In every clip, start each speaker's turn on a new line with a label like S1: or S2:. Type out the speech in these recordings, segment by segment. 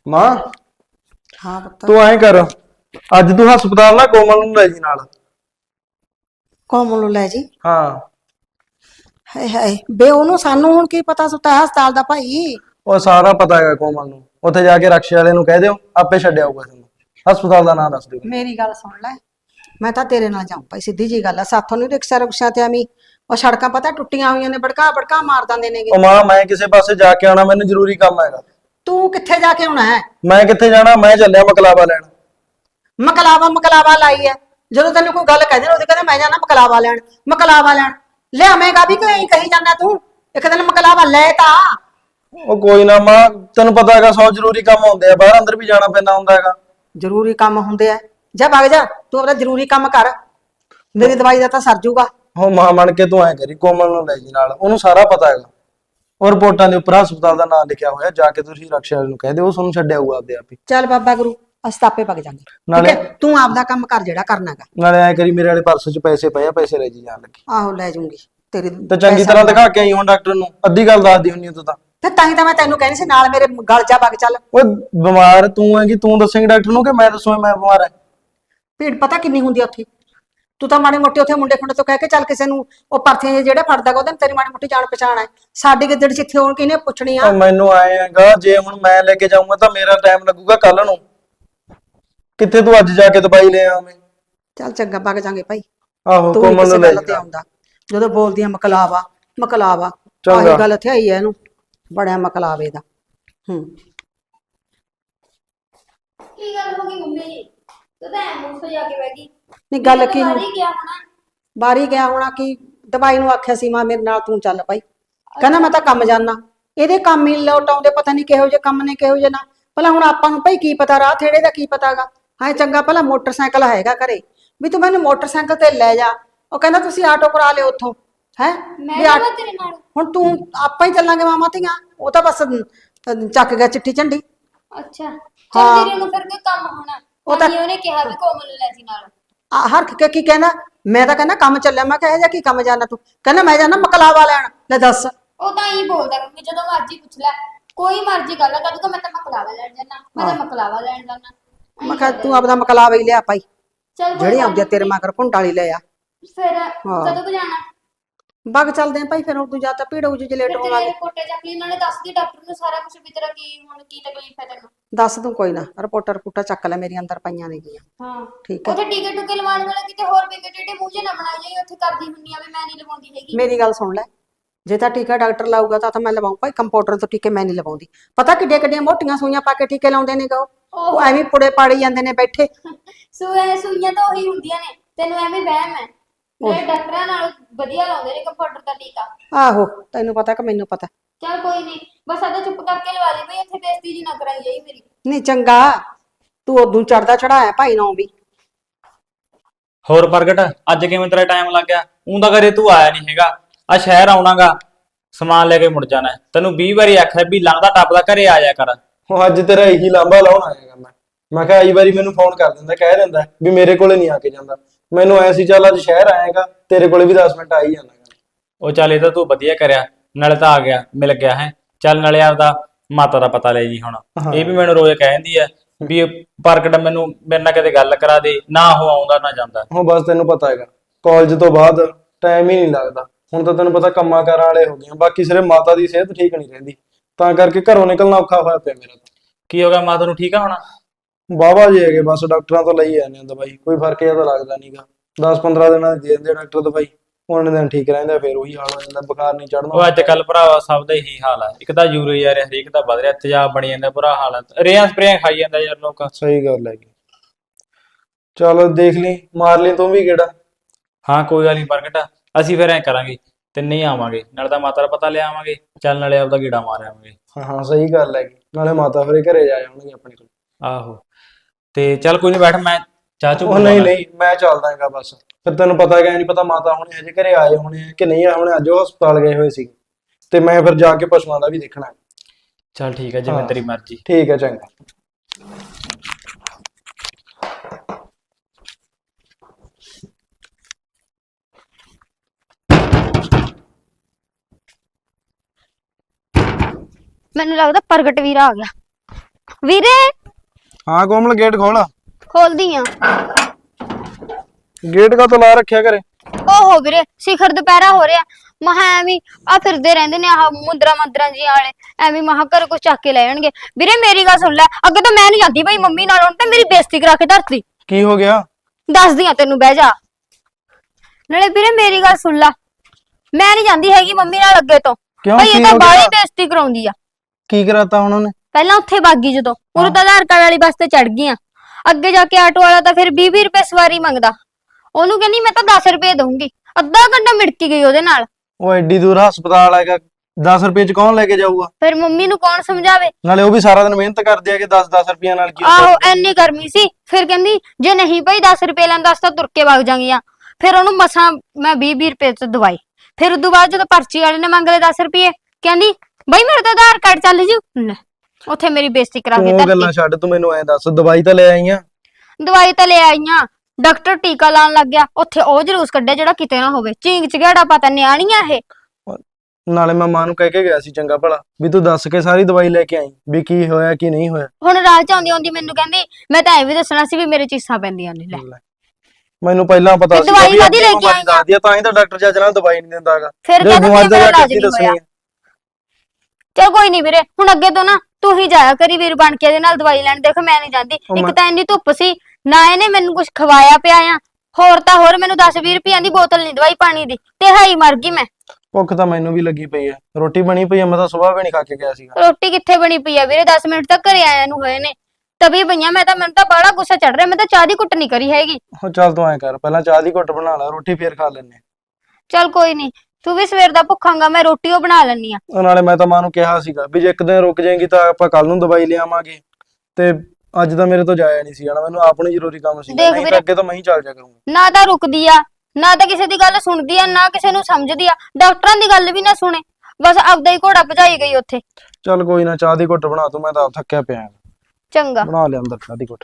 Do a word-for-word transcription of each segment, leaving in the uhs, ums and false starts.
S1: ਮਾਂ
S2: ਹਾਂ ਪੁੱਤ।
S1: ਤੂੰ ਐਂ ਕਰ, ਅੱਜ ਤੂੰ ਹਸਪਤਾਲ ਨਾ ਕੋਮਲ ਨੂੰ ਲੈ ਜੀ ਨਾਲ।
S2: ਕੋਮਲ ਨੂੰ ਲੈ ਜੀ।
S1: ਹਾਂ
S2: ਹਾਏ ਹਾਏ ਬੇ ਉਹਨੂੰ ਸਾਨੂੰ ਹੁਣ ਕੀ ਪਤਾ ਸੁੱਤਾ ਹਸਪਤਾਲ ਦਾ ਭਾਈ।
S1: ਉਹ ਸਾਰਾ ਪਤਾ ਹੈਗਾ ਕੋਮਲ ਨੂੰ। ਉੱਥੇ ਜਾ ਕੇ ਰਕਸ਼ੇ ਵਾਲੇ ਨੂੰ ਕਹਿ ਦਿਓ, ਆਪੇ ਛੱਡ ਆਊਗਾ ਤੁਹਾਨੂੰ। ਹਸਪਤਾਲ ਦਾ ਨਾਂ ਦੱਸ ਦਿਓ।
S2: ਮੇਰੀ ਗੱਲ ਸੁਣ ਲੈ, ਮੈਂ ਤਾਂ ਤੇਰੇ ਨਾਲ ਜਾਉਂ ਭਾਈ, ਸਿੱਧੀ ਜੀ ਗੱਲ ਆ। ਸਾਥੋਂ ਨਹੀਂ ਰਿਕਸ਼ਾ ਰੁਕਸ਼ਾ ਤੇ ਐਵੇਂ ਉਹ ਸੜਕਾਂ ਪਤਾ ਟੁੱਟੀਆਂ ਹੋਈਆਂ ਨੇ, ਬੜਕਾ ਬੜਕਾ ਮਾਰ ਦਿੰਦੇ ਨੇਗੇ।
S1: ਉਹ ਮਾਂ ਮੈਂ ਕਿਸੇ ਪਾਸੇ ਜਾ ਕੇ ਆਉਣਾ, ਮੈਨੂੰ ਜ਼ਰੂਰੀ ਕੰਮ ਹੈਗਾ।
S2: ਤੂੰ ਕਿੱਥੇ ਜਾ ਕੇ ਆਉਣਾ ਹੈ?
S1: ਮੈਂ ਕਿੱਥੇ ਜਾਣਾ, ਮੈਂ ਚੱਲਿਆ ਮਕਲਾਵਾ ਲੈਣ।
S2: ਮਕਲਾਵਾ ਮਕਲਾਵਾ ਲਾਈ ਐ। ਜਦੋਂ ਤੈਨੂੰ ਕੋਈ ਗੱਲ ਕਹਿੰਦੇ ਉਹਦੇ ਕਹਿੰਦੇ ਮੈਂ ਜਾਣਾ ਮਕਲਾਵਾ ਲੈਣ, ਮਕਲਾਵਾ ਲੈਣ ਲਿਆਵੇਂਗਾ ਵੀ ਕਿ ਐਂ ਕਹੀ ਜਾਂਦਾ ਤੂੰ? ਇੱਕ ਦਿਨ ਮਕਲਾਵਾ ਲੈ ਤਾਂ।
S1: ਉਹ ਕੋਈ ਨਾ ਮਾਂ, ਤੈਨੂੰ ਪਤਾ ਹੈਗਾ ਸੌ ਜ਼ਰੂਰੀ ਕੰਮ ਹੁੰਦੇ ਆ, ਬਾਹਰ ਅੰਦਰ ਵੀ ਜਾਣਾ ਪੈਂਦਾ ਹੁੰਦਾ ਹੈਗਾ।
S2: ਜ਼ਰੂਰੀ ਕੰਮ ਹੁੰਦੇ ਆ, ਜਾ ਵਗ ਜਾ ਤੂੰ ਆਪਣਾ ਜ਼ਰੂਰੀ ਕੰਮ ਕਰ, ਮੇਰੀ ਦਵਾਈ ਦਾ ਤਾਂ ਸਰ ਜੂਗਾ।
S1: ਉਹ ਮਾਂ ਬਣ ਕੇ ਤੂੰ ਐਂ ਕਰੀ, ਕੋਮਲ ਨੂੰ ਲੈ ਜੀ ਨਾਲ, ਉਹਨੂੰ ਸਾਰਾ ਪਤਾ ਹੈਗਾ। ਉਹ ਰਿਪੋਰਟਾਂ ਦੇ ਉੱਪਰ ਹਸਪਤਾਲ ਦਾ ਨਾਮ ਲਿਖਿਆ ਹੋਇਆ, ਜਾ ਕੇ ਤੁਸੀਂ ਰਕਸ਼ਾ ਵਾਲੇ ਨੂੰ ਕਹਿ ਦਿਓ, ਉਹ ਤੁਹਾਨੂੰ ਛੱਡ ਆਊਗਾ ਆਪਦੇ ਆਪ ਹੀ।
S2: ਚੱਲ ਬਾਬਾ ਗੁਰੂ ਅਸਤਾਪੇ ਪਕ ਜਾਂਗੇ, ਠੀਕ
S1: ਨਾਲੇ-
S2: ਹੈ? ਤੂੰ ਆਪਦਾ ਕੰਮ ਕਰ ਜਿਹੜਾ ਕਰਨਾ ਹੈਗਾ।
S1: ਨਾਲੇ ਐਂ ਕਰੀ, ਮੇਰੇ ਵਾਲੇ ਪਰਸ 'ਚ ਪੈਸੇ ਪਏ ਆ, ਪੈਸੇ ਲੈ ਜੀ ਜਾਣ ਲੱਗੇ।
S2: ਆਹੋ ਲੈ ਜਾਊਂਗੀ ਤੇਰੀ
S1: ਤੇ ਚੰਗੀ ਤਰ੍ਹਾਂ ਦਿਖਾ ਕੇ ਆਈ ਹੁਣ ਡਾਕਟਰ ਨੂੰ, ਅੱਧੀ ਗੱਲ ਦੱਸਦੀ ਹੁੰਨੀ ਤੂੰ ਤਾਂ।
S2: ਫਿਰ ਤਾਂ ਹੀ ਤਾਂ ਮੈਂ ਤੈਨੂੰ ਕਹਿੰਦੀ ਸੀ ਨਾਲ ਮੇਰੇ ਗਲ ਜਾ ਵਗ ਚੱਲ।
S1: ਓਏ ਬਿਮਾਰ ਤੂੰ ਹੈਗੀ, ਤੂੰ ਦੱਸੇਂਗੀ ਡਾਕਟਰ ਨੂੰ ਕਿ ਮੈਂ ਦੱਸੂੰ ਮੈਂ ਬਿਮਾਰ ਐ?
S2: ਭੀੜ ਪਤਾ ਕਿੰਨੀ ਹੁੰਦੀ ਆ ਉੱਥੇ। ਤੂੰ ਤਾਂ ਮਾੜੇ ਮੋਟੇ ਉੱਥੇ ਮੁੰਡੇ ਖੁੰਡੇ ਤੋਂ ਕਹਿ ਕੇ ਚੱਲ ਕਿਸੇ ਨੂੰ, ਉਹ ਪਰਥੀਆਂ ਜਿਹੜੇ ਫੜਦਾ ਉਹਦੇ ਤੇਰੀ ਮਾੜੀ ਮੋਟੀ ਜਾਣ ਪਛਾਣ ਹੈ। ਸਾਡੀ ਗਿੱਦੜ ਜਿੱਥੇ ਹੋਣ ਕਿਹਨੇ ਪੁੱਛਣੀ ਆ?
S1: ਉਹ ਮੈਨੂੰ ਆਏ ਹੈਗਾ, ਜੇ ਹੁਣ ਮੈਂ ਲੈ ਕੇ ਜਾਊਂਗਾ ਤਾਂ ਮੇਰਾ ਟਾਈਮ ਲੱਗੂਗਾ ਕੱਲ ਨੂੰ। ਕਿੱਥੇ ਤੂੰ ਅੱਜ ਜਾ ਕੇ ਦਵਾਈ ਲੈ ਆਵੇਂ?
S2: ਚੱਲ ਚੰਗਾ ਵਗ ਜਾਾਂਗੇ ਭਾਈ।
S1: ਆਹੋ
S2: ਤੂੰ ਨੀ
S1: ਕੋਮਲ
S2: ਕਿਸੇ
S1: ਨੂੰ ਲੈ
S2: ਗੱਲ ਤੇ
S1: ਜਾ।
S2: ਆਉਂਦਾ ਜਦੋਂ ਬੋਲਦੀਆਂ ਮਕਲਾਵਾ ਮਕਲਾਵਾ,
S1: ਚੰਗਾ।
S2: ਆਹੀ ਗੱਲ ਇੱਥੇ ਆਈ ਹੈ ਇਹਨੂੰ, ਬੜਿਆ ਮਕਲਾਵੇ ਦਾ। ਹੂੰ
S3: ਕੀ ਗੱਲ ਹੋ ਗਈ ਮੰਮੀ ਜੀ? ਤੂੰ ਤਾਂ ਐਂਬੂਲੈਂਸ ਜਾ ਕੇ ਬਹਿ ਗਈ।
S2: ਨਹੀਂ ਗੱਲ ਕੀ
S3: ਬਾਹਰ
S2: ਹੁਣ,
S3: ਹੀ ਗਿਆ ਹੋਣਾ।
S2: ਬਾਹਰੀ ਗਿਆ ਹੋਣਾ ਕੀ? ਦਵਾਈ ਨੂੰ ਆਖਿਆ ਸੀ ਮਾਂ ਮੇਰੇ ਨਾਲ ਤੂੰ ਚੱਲ ਭਾਈ, ਕਹਿੰਦਾ ਮੈਂ ਤਾਂ ਕੰਮ ਜਾਣਾ। ਇਹਦੇ ਕੰਮ ਹੀ ਲੋਟ ਆਉਂਦੇ, ਪਤਾ ਨਹੀਂ ਕਿਹੋ ਜਿਹੇ ਕੰਮ ਨੇ ਕਿਹੋ ਜਿਹੇ ਨਾ। ਭਲਾ ਹੁਣ ਆਪਾਂ ਨੂੰ ਭਾਈ ਕੀ ਪਤਾ, ਰਾਹ ਥੇੜੇ ਦਾ ਕੀ ਪਤਾਗਾ। ਹਾਂ ਚੰਗਾ ਭਲਾ ਮੋਟਰਸਾਈਕਲ ਹੈਗਾ ਘਰੇ, ਵੀ ਤੂੰ ਮੈਨੂੰ ਮੋਟਰਸਾਈਕਲ ਤੇ ਲੈ ਜਾ। ਉਹ ਕਹਿੰਦਾ ਤੁਸੀਂ ਆਟੋ ਕਰਾ ਲਿਓ ਉੱਥੋਂ, ਹੈ
S3: ਮੈਂ
S2: ਵੀ ਆ-
S3: ਜਾਵਾਂ ਤੇਰੇ ਨਾਲ?
S2: ਹੁਣ ਤੂੰ ਆਪਾਂ ਹੀ ਚੱਲਾਂਗੇ ਮਾਮਾ ਧੀਆਂ। ਉਹ ਤਾਂ ਬਸ ਅਹ, ਚੱਕ ਗਿਆ ਚਿੱਟੀ ਝੰਡੀ।
S3: ਅੱਛਾ
S2: ਹਾਂ।
S3: ਚੱਲ ਤੇਰੇ ਨੂੰ ਫਿਰ ਕੋਈ ਕੰਮ ਹੋਣਾ।
S2: ਉਹ ਤਾਂ-
S3: ਤਾਂ ਉਹਨੇ ਕਿਹਾ ਵੀ ਕੋਮਲ ਨੂੰ ਲੈ ਜੀ ਨਾਲ।
S2: ਆ ਹਰਖ ਕੇ ਕੀ ਕਹਿੰਦਾ? ਮੈਂ ਤਾਂ ਕਹਿੰਦਾ ਕੰਮ ਚੱਲਿਆ। ਮੈਂ ਕਿਹਾ ਜਾ ਕੀ ਕੰਮ ਜਾਣਾ ਤੂੰ? ਕਹਿੰਦਾ ਮੈਂ ਜਾਣਾ ਮਕਲਾਵਾ ਲੈਣ। ਲੈ ਦੱਸ।
S3: ਉਹ ਤਾਂ ਹੀ ਬੋਲਦਾ ਮੰਮੀ, ਜਦੋਂ ਮਰਜ਼ੀ ਪੁੱਛ ਲੈ, ਕੋਈ ਮਰਜ਼ੀ ਗੱਲ ਕਰ ਦੂਗਾ ਮੈਂ ਤਾਂ ਮਕਲਾਵਾ ਲੈਣ ਜਾਣਾ, ਮੈਂ ਤਾਂ ਮਕਲਾਵਾ ਲੈਣ ਜਾਣਾ।
S2: ਮੈਂ ਕਿਹਾ ਤੂੰ ਆਪਦਾ ਮਕਲਾਵਾ ਹੀ ਲਿਆ ਭਾਈ,
S3: ਚੱਲ
S2: ਜਿਹੜੀ ਆਉਂਦੀ ਆ ਤੇਰੇ ਮਗਰ ਘੁੰਡ ਵਾਲੀ ਲੈ ਆ।
S3: ਫਿਰ ਕਦੋਂ ਕੁ ਜਾਣਾ?
S2: ਬਗ ਚੱਲਦੇ ਆ ਭਾਈ, ਫਿਰ ਹੁਣ ਤੂੰ ਜਾ ਤਾਂ ਭੀੜ ਹੋ ਜੂ ਜੇ ਲੇਟ
S3: ਫਿਰ ਤੇਰੇ
S2: ਹੋਵਾਂਗੇ।
S3: ਰਿਪੋਰਟੇ ਚੱਕ ਲਈ, ਨਾਲੇ ਦੱਸਦੀ ਡਾਕਟਰ ਨੂੰ ਸਾਰਾ ਕੁਝ ਵੀ ਤੇਰਾ ਕੀ ਹੁਣ ਕੀ ਤਕਲੀਫ ਹੈ ਤੈਨੂੰ।
S2: ਦੱਸ ਦੂੰ ਕੋਈ ਨਾ, ਰਿਪੋਰਟਰ ਰਿਪੋਰਟਾਂ ਚੱਕ ਲੈ, ਮੇਰੀ ਅੰਦਰ ਪਈਆਂ ਨੇ ਗੀਆਂ।
S3: ਹਾਂ
S2: ਠੀਕ ਹੈ।
S3: ਉੱਥੇ ਟੀਕੇ ਟੁਕੇ ਲਵਾਉਣ ਵਾਲੇ ਕਿਤੇ ਹੋਰ ਵੀ ਟੇਡੇ ਮੂੰਹ ਜੇ ਨਾ ਬਣਾਈ ਜਾਈ, ਉੱਥੇ ਕਰਦੀ ਹੁੰਨੀ ਆ ਵੀ ਮੈਂ ਨਹੀਂ ਲਵਾਉਂਦੀ ਹੈਗੀ।
S2: ਮੇਰੀ ਗੱਲ ਸੁਣ ਲੈ, ਜੇ ਤਾਂ ਟੀਕਾ ਡਾਕਟਰ ਲਾਊਗਾ ਤਾਂ ਤਾਂ ਮੈਂ ਲਵਾਉਂ ਭਾਈ, ਕੰਪਾਊਂਡਰ ਤੋਂ ਟੀਕੇ ਮੈਂ ਨਹੀਂ ਲਵਾਉਂਦੀ। ਪਤਾ ਕਿੱਡੀਆਂ ਕਿੱਡੀਆਂ ਮੋਟੀਆਂ ਸੂਈਆਂ ਪਾ ਕੇ ਟੀਕੇ ਲਾਉਂਦੇ ਨੇ ਗਾ, ਉਹ ਐਵੇਂ ਪੁੜੇ ਪਾੜੀ ਜਾਂਦੇ ਨੇ ਬੈਠੇ।
S3: ਸੂਏ ਸੂਈਆਂ ਤਾਂ ਉਹੀ ਹੁੰਦੀਆਂ ਨੇ, ਤੈਨੂੰ ਐਵੇਂ ਵਹਿਮ ਹੈ। ਮੇਰੇ ਡਾਕਟਰਾਂ ਨਾਲ ਵਧੀਆ ਲਾਉਂਦੇ ਨੇ ਕੰਪਾਊਂਡਰ ਦਾ ਟੀਕਾ।
S2: ਆਹੋ ਤੈਨੂੰ ਪਤਾ ਕਿ ਮੈਨੂੰ ਪਤਾ।
S3: ਚੱਲ ਕੋਈ ਨਹੀਂ, ਬਸ ਆਦਾ ਚੁੱਪ ਕਰਕੇ ਲਵਾ ਲਈ ਬਈ, ਇੱਥੇ ਬੇਇੱਜ਼ਤੀ ਜੀ ਨਾ ਕਰਾਈ ਜਾਈ ਮੇਰੀ।
S2: ਨਹੀਂ ਚੰਗਾ, ਤੂੰ ਉਦੋਂ ਚੜਦਾ ਚੜਾਇਆ ਭਾਈ ਨਾ ਵੀ।
S4: ਹੋਰ ਪ੍ਰਗਟ, ਅੱਜ ਕਿਵੇਂ ਤੇਰਾ ਟਾਈਮ ਲੱਗ ਗਿਆ? ਊਂ ਤਾਂ ਘਰੇ ਤੂੰ ਆਇਆ ਨਹੀਂ ਹੈਗਾ। ਆ ਸ਼ਹਿਰ ਆਉਣਾਗਾ, ਸਮਾਨ ਲੈ ਕੇ ਮੁੜ ਜਾਣਾ। ਤੈਨੂੰ ਵੀਹ ਵਾਰੀ ਆਖਿਆ ਵੀ ਲੰਘਦਾ ਟੱਪਦਾ ਘਰੇ ਆ ਜਾ ਕਰ।
S1: ਉਹ ਅੱਜ ਤੇਰਾ ਇਹੀ ਲਾਂਭਾ ਲਾਉਣ ਆਏਗਾ ਮੈਂ। ਮੈਂ ਕਿਹਾ ਆਈ ਵਾਰੀ ਮੈਨੂੰ ਫੋਨ ਕਰ ਦਿੰਦਾ, ਕਹਿ ਦਿੰਦਾ ਵੀ ਮੇਰੇ ਕੋਲੇ ਨਹੀਂ ਆ ਕੇ ਜਾਂਦਾ। ਮੈਨੂੰ ਐ ਸੀ ਚੱਲ ਅੱਜ ਸ਼ਹਿਰ ਆਏਗਾ, ਤੇਰੇ ਕੋਲੇ ਵੀ ਦਸ ਮਿੰਟ ਆ ਹੀ ਜਾਣਾ।
S4: ਉਹ ਚੱਲ ਇਹ ਤਾਂ ਤੂੰ ਵਧੀਆ ਕਰਿਆ, ਨਾਲੇ ਤਾਂ ਆ ਗਿਆ ਮਿਲ ਗਿਆ ਹੈ। ਚੱਲ ਨਾਲੇ ਆਪਦਾ ਮਾਤਾ ਦਾ ਪਤਾ ਲੈ ਜੀ ਹੁਣ। ਇਹ ਵੀ ਮੈਨੂੰ ਰੋਜ਼ ਕਹਿੰਦੀ ਐ ਵੀ ਪ੍ਰਗਟ ਮੈਨੂੰ ਮੇਰੇ ਨਾਲ ਕਦੇ ਗੱਲ ਕਰਾ ਦੇ, ਨਾ ਉਹ ਆਉਂਦਾ ਨਾ ਜਾਂਦਾ।
S1: ਹੁਣ ਬਸ ਤੈਨੂੰ ਪਤਾ ਹੈਗਾ, ਕਾਲਜ ਤੋਂ ਬਾਅਦ ਟਾਈਮ ਹੀ ਨਹੀਂ ਲੱਗਦਾ। ਹੁਣ ਤਾਂ ਤੈਨੂੰ ਪਤਾ ਕੰਮਾਂ ਕਾਰਾਂ ਵਾਲੇ ਹੋ ਗਏ ਆ, ਬਾਕੀ ਸਿਰਫ ਮਾਤਾ ਦੀ ਸਿਹਤ ਠੀਕ ਨਹੀਂ ਰਹਿੰਦੀ, ਤਾਂ ਕਰਕੇ ਘਰੋਂ ਨਿਕਲਣਾ ਔਖਾ ਹੋਇਆ ਪਿਆ ਮੇਰਾ ਤਾਂ।
S4: ਕੀ ਹੋ ਗਿਆ, ਮਾਤਾ ਨੂੰ ਠੀਕ ਆ ਹੁਣ?
S1: ਵਾਹਵਾ ਜੀ ਹੈਗੇ, ਬਸ ਡਾਕਟਰਾਂ ਤੋਂ ਲਈ ਜਾਂਦੇ ਆ ਦਵਾਈ, ਕੋਈ ਫਰਕ ਜਿਹਾ ਤਾਂ ਲੱਗਦਾ ਨਹੀਂਗਾ। ਦਸ ਪੰਦਰਾਂ ਦਿਨਾਂ ਦੀ ਦੇ ਦਿੰਦੇ ਡਾਕਟਰ ਦਵਾਈ, ਉਹਨਾਂ ਦਿਨ ਠੀਕ ਰਹਿੰਦਾ, ਫਿਰ ਉਹੀ ਹਾਲ ਹੋ ਜਾਂਦਾ, ਬੁਖਾਰ ਨਹੀਂ ਚੜ੍ਹਨਾ।
S4: ਉਹ ਅੱਜ ਕੱਲ ਭਰਾਵਾ ਸਭ ਦਾ ਇਹੀ ਹਾਲ ਆ। ਇੱਕ ਤਾਂ ਯੂਰੀਆ ਯਾਰ ਹਰੇਕ ਦਾ ਵੱਧ ਰਿਹਾ, ਤੇਜ਼ਾਬ ਬਣੀ ਜਾਂਦਾ, ਬੁਰਾ ਹਾਲ ਆ। ਰੇਹਾਂ ਸਪਰੇਆਂ ਖਾਈ ਜਾਂਦਾ ਯਾਰ ਲੋਕ।
S1: ਸਹੀ ਗੱਲ ਹੈਗੀ। ਚਲ ਦੇਖ ਲਈ, ਮਾਰ ਲਈ ਤੂੰ ਵੀ ਕਿਹੜਾ।
S4: ਹਾਂ ਕੋਈ ਗੱਲ ਨਹੀਂ ਪ੍ਰਗਟ, ਅਸੀਂ ਫਿਰ ਐ ਕਰਾਂਗੇ, ਤਿੰਨੇ ਹੀ ਆਵਾਂਗੇ, ਨਾਲੇ ਤਾਂ ਮਾਤਾ ਦਾ ਪਤਾ ਲੈ ਆਵਾਂਗੇ, ਚੱਲ ਨਾਲੇ ਆਪਦਾ ਗੇੜਾ ਮਾਰ ਆਵਾਂਗੇ।
S1: ਹਾਂ ਹਾਂ ਸਹੀ ਗੱਲ ਹੈਗੀ, ਨਾਲੇ ਮਾਤਾ ਫਿਰ ਘਰੇ ਜਾ ਆਉਣਗੇ ਆਪਣੇ ਕੋਲ।
S4: ਆਹੋ ਤੇ ਚੱਲ ਕੋਈ ਨਹੀਂ, ਬੈਠ ਮੈਂ ਚਾਹ ਚੂ
S1: ਉਹ ਨਹੀਂ ਨਹੀਂ ਮੈਂ ਚੱਲਦਾ ਹੈਗਾ ਬਸ। ਫਿਰ ਤੈਨੂੰ ਪਤਾ ਹੈਗਾ ਨਹੀਂ ਪਤਾ ਮਾਤਾ ਹੁਣੇ ਹਜੇ ਘਰੇ ਆਏ ਹੋਣੇ ਆ ਕਿ ਨਹੀਂ ਆਏ ਹੋਣੇ। ਅੱਜ ਉਹ ਹਸਪਤਾਲ ਗਏ ਹੋਏ ਸੀ, ਤੇ ਮੈਂ ਫਿਰ ਜਾ ਕੇ ਪਸ਼ੂਆਂ ਦਾ ਵੀ ਦੇਖਣਾ ਹੈ।
S4: ਚੱਲ ਠੀਕ ਹੈ, ਜਿਵੇਂ ਤੇਰੀ ਮਰਜ਼ੀ।
S1: ਠੀਕ ਹੈ ਚੰਗਾ।
S3: ਮੈਨੂੰ ਲੱਗਦਾ ਪ੍ਰਗਟ ਵੀਰ ਆ ਗਿਆ। ਵੀਰੇ
S1: ਹਾਂ ਕੋਮਲ ਗੇਟ ਖੋਲ।
S3: ਖੋਲਦੀ ਆ।
S1: ਗੇਟ ਕਾ ਤੋਂ ਲਾ ਰੱਖਿਆ ਘਰੇ?
S3: ਓਹੋ ਵੀਰੇ ਸਿਖਰ ਦੁਪਹਿਰਾ ਹੋ ਰਿਹਾ ਮਹਾ ਐਵੇਂ ਆ ਫਿਰਦੇ ਰਹਿੰਦੇ ਨੇ ਆਹ ਮੁੰਦਰਾ ਮੰਦਰਾ ਜੀ ਵਾਲੇ ਐਵੇਂ ਮਹਾ ਘਰ ਕੁਛ ਚੱਕ ਕੇ ਲੈ ਜਾਣਗੇ। ਵੀਰੇ ਮੇਰੀ ਗੱਲ ਸੁਣ ਲੈ ਅੱਗੇ ਤਾਂ ਮੈਂ ਨਹੀਂ ਜਾਂਦੀ ਬਈ ਮੰਮੀ ਨਾਲ ਹੁਣ ਤੇ ਮੇਰੀ ਬੇਇੱਜ਼ਤੀ ਕਰਾ ਕੇ ਧਰਤੀ।
S1: ਕੀ ਹੋ ਗਿਆ?
S3: ਦੱਸਦੀ ਆ ਤੈਨੂੰ ਬਹਿ ਜਾ। ਨਾਲੇ ਵੀਰੇ ਮੇਰੀ ਗੱਲ ਸੁਣ ਲੈ ਮੈਂ ਨਹੀਂ ਜਾਂਦੀ ਹੈਗੀ ਮੰਮੀ ਨਾਲ ਅੱਗੇ ਤੋਂ।
S1: ਕਿਉਂ
S3: ਬਈ
S1: ਕੀ
S3: ਇਹ ਤਾਂ
S1: ਹੋ
S3: ਬਾਹਲੀ
S1: ਗਿਆ?
S3: ਬੇਇੱਜ਼ਤੀ ਕਰਾਉਂਦੀ ਆ।
S1: ਕੀ ਕਰਾਤਾ ਉਹਨਾਂ ਨੇ?
S3: ਪਹਿਲਾਂ ਉੱਥੇ ਬਾਗੀ ਜਦੋਂ ਉਹ ਤਾਂ ਆਧਾਰ ਕਾਰਡ ਵਾਲੀ ਬੱਸ ਤੇ ਚੜ ਗਈਆਂ ਅੱਗੇ ਜਾ ਕੇ ਆਟੋ ਵਾਲਾ ਤਾਂ ਫਿਰ ਵੀਹ ਵੀਹ ਰੁਪਏ ਸਵਾਰੀ ਮੰਗਦਾ। ਉਹਨੂੰ ਕਹਿੰਦੀ ਮੈਂ ਤਾਂ ਦਸ ਰੁਪਏ ਦਊਂਗੀ ਅੱਧਾ ਘੰਟਾ ਮਿੜਕੀ ਗਈ ਉਹਦੇ ਨਾਲ।
S1: ਉਹ ਐਡੀ ਦੂਰ ਹਸਪਤਾਲ ਹੈਗਾ ਦਸ ਰੁਪਏ ਚ ਕੌਣ ਲੈ ਕੇ ਜਾਊਗਾ?
S3: ਫਿਰ ਮੰਮੀ ਨੂੰ ਕੌਣ ਸਮਝਾਵੇ?
S1: ਨਾਲੇ ਉਹ ਵੀ ਸਾਰਾ ਦਿਨ ਮਿਹਨਤ ਕਰਦੇ ਆ ਕਿ ਦਸ ਦਸ ਰੁਪਈਆ ਨਾਲ ਕੀ
S3: ਆਹੋ ਐਨੀ ਗਰਮੀ ਸੀ ਫਿਰ ਕਹਿੰਦੀ ਜੇ ਨਹੀਂ ਭਾਈ ਦਸ ਰੁਪਏ ਲੈਂਦਾ ਤਾਂ ਤੁਰ ਕੇ ਵਗ ਜਾਂਗੀਆਂ। ਫਿਰ ਉਹਨੂੰ ਮਸਾਂ ਮੈਂ ਵੀਹ ਵੀਹ ਰੁਪਏ ਚ ਦਵਾਈ। ਫਿਰ ਉਦੋਂ ਬਾਅਦ ਜਦੋਂ ਪਰਚੀ ਵਾਲੇ ਨੇ ਮੰਗ ਲਏ ਦਸ ਰੁਪਏ ਕਹਿੰਦੀ ਬਈ ਮੇਰੇ ਤਾਂ ਆਧਾਰ ਕਾਰਡ ਚੱਲ ਜੂ। ਲੈ, ਉੱਥੇ ਮੇਰੀ ਬੇਇੱਜ਼ਤੀ ਕਰਾ ਕੇ
S1: ਤੂੰ ਗੱਲਾਂ
S3: ਧਰਤੀ।
S1: ਛੱਡ ਤੂੰ ਮੈਨੂੰ ਐਂ ਦੱਸ ਦਵਾਈ ਤਾਂ ਲੈ ਆਈਆਂ?
S3: ਦਵਾਈ ਤਾਂ ਲੈ ਆਈਆਂ ਡਾਕਟਰ ਟੀਕਾ ਲਾਉਣ ਲੱਗ ਗਿਆ ਉੱਥੇ ਉਹ ਜਲੂਸ ਕੱਢਿਆ ਜਿਹੜਾ ਕਿਤੇ ਨਾ ਹੋਵੇ ਚੀਂਗ ਚਗੜਾ ਪਤਾ ਨਿਆਣੀਆਂ ਇਹ।
S1: ਨਾਲੇ ਮੈਂ ਮਾਂ ਨੂੰ ਕਹਿ ਕੇ ਗਿਆ ਸੀ ਚੰਗਾ ਭਲਾ ਵੀ ਤੂੰ ਦੱਸ ਕੇ ਸਾਰੀ ਦਵਾਈ ਲੈ ਕੇ ਆਈ ਵੀ ਕੀ ਹੋਇਆ ਕੀ ਨਹੀਂ ਹੋਇਆ।
S3: ਹੁਣ ਰਾਹ ਚ ਆਉਂਦੀ ਆਉਂਦੀ ਮੈਨੂੰ ਕਹਿੰਦੀ ਮੈਂ ਤਾਂ ਐ ਵੀ ਦੱਸਣਾ ਸੀ ਵੀ ਮੇਰੇ ਚੀਸਾਂ ਪੈਂਦੀਆਂ ਨੇ। ਲੈ
S1: ਲੈ, ਮੈਨੂੰ ਪਹਿਲਾਂ ਪਤਾ
S3: ਤੇ
S1: ਸੀ
S3: ਦਵਾਈ
S1: ਵੀ
S3: ਕਾਹਦੀ ਲੈ ਕੇ
S1: ਬਿਮਾਰੀ
S3: ਆਈ ਆ?
S1: ਦੱਸਦੀ ਆ ਤਾਂ ਹੀ ਤਾਂ ਡਾਕਟਰ ਚੱਜ ਨਾਲ ਦਵਾਈ ਨਹੀਂ ਦਿੰਦਾਗਾ।
S3: ਫਿਰ ਕਹਿੰਦਾ
S1: ਬਿਮਾਰੀ ਦਾ
S3: ਮੇਰਾ
S1: ਜਾ
S3: ਇਲਾਜ
S1: ਕੇ
S3: ਨਹੀਂ
S1: ਦੱਸਣੀ
S3: ਹੋਇਆ।
S1: ਆ।
S3: ਚਲ ਕੋਈ ਨਹੀਂ ਵੀਰੇ ਹੁਣ ਅੱਗੇ ਤੋਂ ਨਾ ਤੂੰ ਹੀ ਜਾਇਆ ਕਰੀ ਵੀਰ ਬਣ ਕੇ ਇਹਦੇ ਨਾਲ ਦਵਾਈ ਲੈਣ। ਦੇਖ ਮੈਂ ਨਹੀਂ ਜਾਂਦੀ
S1: ਉਹ
S3: ਇੱਕ
S1: ਮੈਂ-
S3: ਤਾਂ ਇੰਨੀ ਧੁੱਪ ਸੀ ਨਾ ਇਹਨੇ ਮੈਨੂੰ ਕੁਝ ਖਵਾਇਆ ਪਿਆ ਆ ਹੋਰ ਤਾਂ ਹੋਰ ਮੈਨੂੰ ਦਸ ਵੀਹ ਰੁਪਈਆਂ ਦੀ ਬੋਤਲ ਨਹੀਂ ਦਵਾਈ ਪਾਣੀ ਦੀ ਤੇ ਹਾਈ ਮਰ ਗਈ ਮੈਂ।
S1: ਭੁੱਖ ਤਾਂ ਮੈਨੂੰ ਵੀ ਲੱਗੀ ਪਈ ਐ ਰੋਟੀ ਬਣੀ ਪਈ ਐ ਮੈਂ ਤਾਂ ਸਵੇਰ ਵੀ ਨਹੀਂ ਖਾ ਕੇ ਗਿਆ ਸੀਗਾ।
S3: ਰੋਟੀ ਕਿੱਥੇ ਬਣੀ ਪਈ ਆ ਵੀਰੇ ਦਸ ਮਿੰਟ ਤੱਕ ਘਰੇ ਆਇਆ ਨੂੰ ਹੋਏ ਨੇ ਤभी ਪਈਆਂ ਮੈਂ ਤਾਂ ਮੈਨੂੰ ਤਾਂ ਬੜਾ ਗੁੱਸਾ ਚੜ ਰਿਹਾ ਮੈਂ ਤਾਂ ਚਾਹ ਦੀ ਕੁੱਟ ਨਹੀਂ ਕਰੀ ਹੈਗੀ।
S1: ਉਹ ਚੱਲ ਤੂੰ ਐਂ ਕਰ ਪਹਿਲਾਂ ਚਾਹ ਦੀ ਘੁੱਟ ਬਣਾ ਲੈ ਰੋਟੀ ਫੇਰ ਖਾ ਲੈਨੇ
S3: ਚਲ ਕੋਈ ਨਹੀਂ ਤੂੰ ਵੀ ਸਵੇਰ ਦਾ ਭੁੱਖਾਂਗਾ ਮੈਂ ਰੋਟੀ ਉਹ ਬਣਾ ਲੈਣੀ ਆ।
S1: ਆ। ਨਾਲੇ ਮੈਂ ਤਾਂ ਮਾਂ ਨੂੰ ਕਿਹਾ ਸੀਗਾ ਵੀ ਜੇ ਇੱਕ ਦਿਨ ਰੁਕ ਜਾਏਗੀ ਤਾਂ ਆਪਾਂ ਕੱਲ ਨੂੰ ਦਵਾਈ ਲਿਆਵਾਂਗੇ ਤੇ ਅੱਜ ਤਾਂ ਮੇਰੇ ਤੋਂ ਜਾਇਆ ਨਹੀਂ ਸੀ ਜਾਣਾ ਮੈਨੂੰ ਆਪ ਨੂੰ ਜ਼ਰੂਰੀ ਕੰਮ ਸੀ
S3: ਦੇਖ
S1: ਨਹੀਂ ਤਾਂ
S3: ਵੀਰੇ-
S1: ਅੱਗੇ ਤਾਂ ਮੈਂ ਹੀ ਚੱਲ ਜਾ ਕਰੂੰਗਾ।
S3: ਨਾ ਤਾਂ ਰੁਕਦੀ ਆ ਨਾ ਤਾਂ ਕਿਸੇ ਦੀ ਗੱਲ ਸੁਣਦੀ ਆ ਨਾ ਕਿਸੇ ਨੂੰ ਸਮਝਦੀ ਆ ਡਾਕਟਰਾਂ ਦੀ ਗੱਲ ਵੀ ਨਾ ਸੁਣੇ ਬਸ ਆਪਦਾ ਹੀ ਘੋੜਾ ਭਜਾਈ ਗਈ ਉੱਥੇ।
S1: ਚੱਲ ਕੋਈ ਨਾ ਚਾਹ ਦੀ ਘੁੱਟ ਬਣਾ ਤੂੰ ਮੈਂ ਤਾਂ ਆਪ ਥੱਕਿਆ ਪਿਆ
S3: ਚੰਗਾ
S1: ਬਣਾ ਲਿਆ ਅੰਦਰ ਚਾਹ ਦੀ ਘੁੱਟ।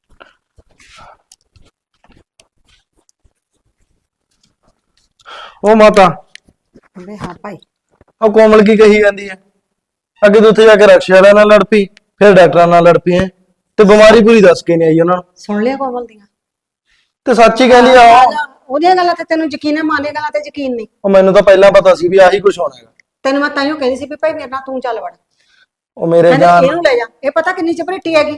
S1: ਉਹ ਮਾਤਾ
S2: ਵੇ ਹਾਂ ਭਾਈ
S1: ਉਹ ਕੋਮਲ ਕੀ ਕਹੀ ਜਾਂਦੀ ਹੈ ਅੱਗੇ ਤੋਂ ਉੱਥੇ ਜਾ ਕੇ ਰਕਸ਼ਾ ਵਾਲਿਆਂ ਨਾਲ ਲੜ ਪਈ ਫਿਰ ਡਾਕਟਰਾਂ ਨਾਲ ਲੜ ਪਈ ਹੈ ਤੇ ਬਿਮਾਰੀ ਪੂਰੀ ਦੱਸ ਕੇ ਨਹੀਂ ਆਈ ਉਹਨਾਂ ਨੂੰ।
S2: ਸੁਣ ਲਿਆ ਕੋਮਲ ਦੀਆਂ?
S1: ਤੇ ਸੱਚ ਹੀ ਕਹਿੰਦੀ ਆ ਉਹ।
S2: ਉਹਦੀਆਂ ਗੱਲਾਂ ਤੇ ਤੈਨੂੰ ਯਕੀਨ ਹੈ ਮਾਂ ਦੀਆਂ ਗੱਲਾਂ ਤੇ ਯਕੀਨ ਨਹੀਂ।
S1: ਉਹ ਮੈਨੂੰ ਤਾਂ ਪਹਿਲਾਂ ਪਤਾ ਸੀ ਵੀ ਆਹੀ ਕੁਝ ਹੋਣਾ ਹੈਗਾ।
S2: ਤੈਨੂੰ ਮੈਂ ਤਾਈਓ ਕਹਿੰਦੀ ਸੀ ਵੀ ਭਾਈ ਮੇਰੇ ਨਾਲ ਤੂੰ ਚੱਲ ਵੜ।
S1: ਉਹ ਮੇਰੇ
S2: ਕਹਿੰਦੇ
S1: ਜਾਨ
S2: ਇਹਨੂੰ ਲੈ ਜਾ ਇਹ ਪਤਾ ਕਿੰਨੀ ਚਪਰੇਟੀ ਹੈਗੀ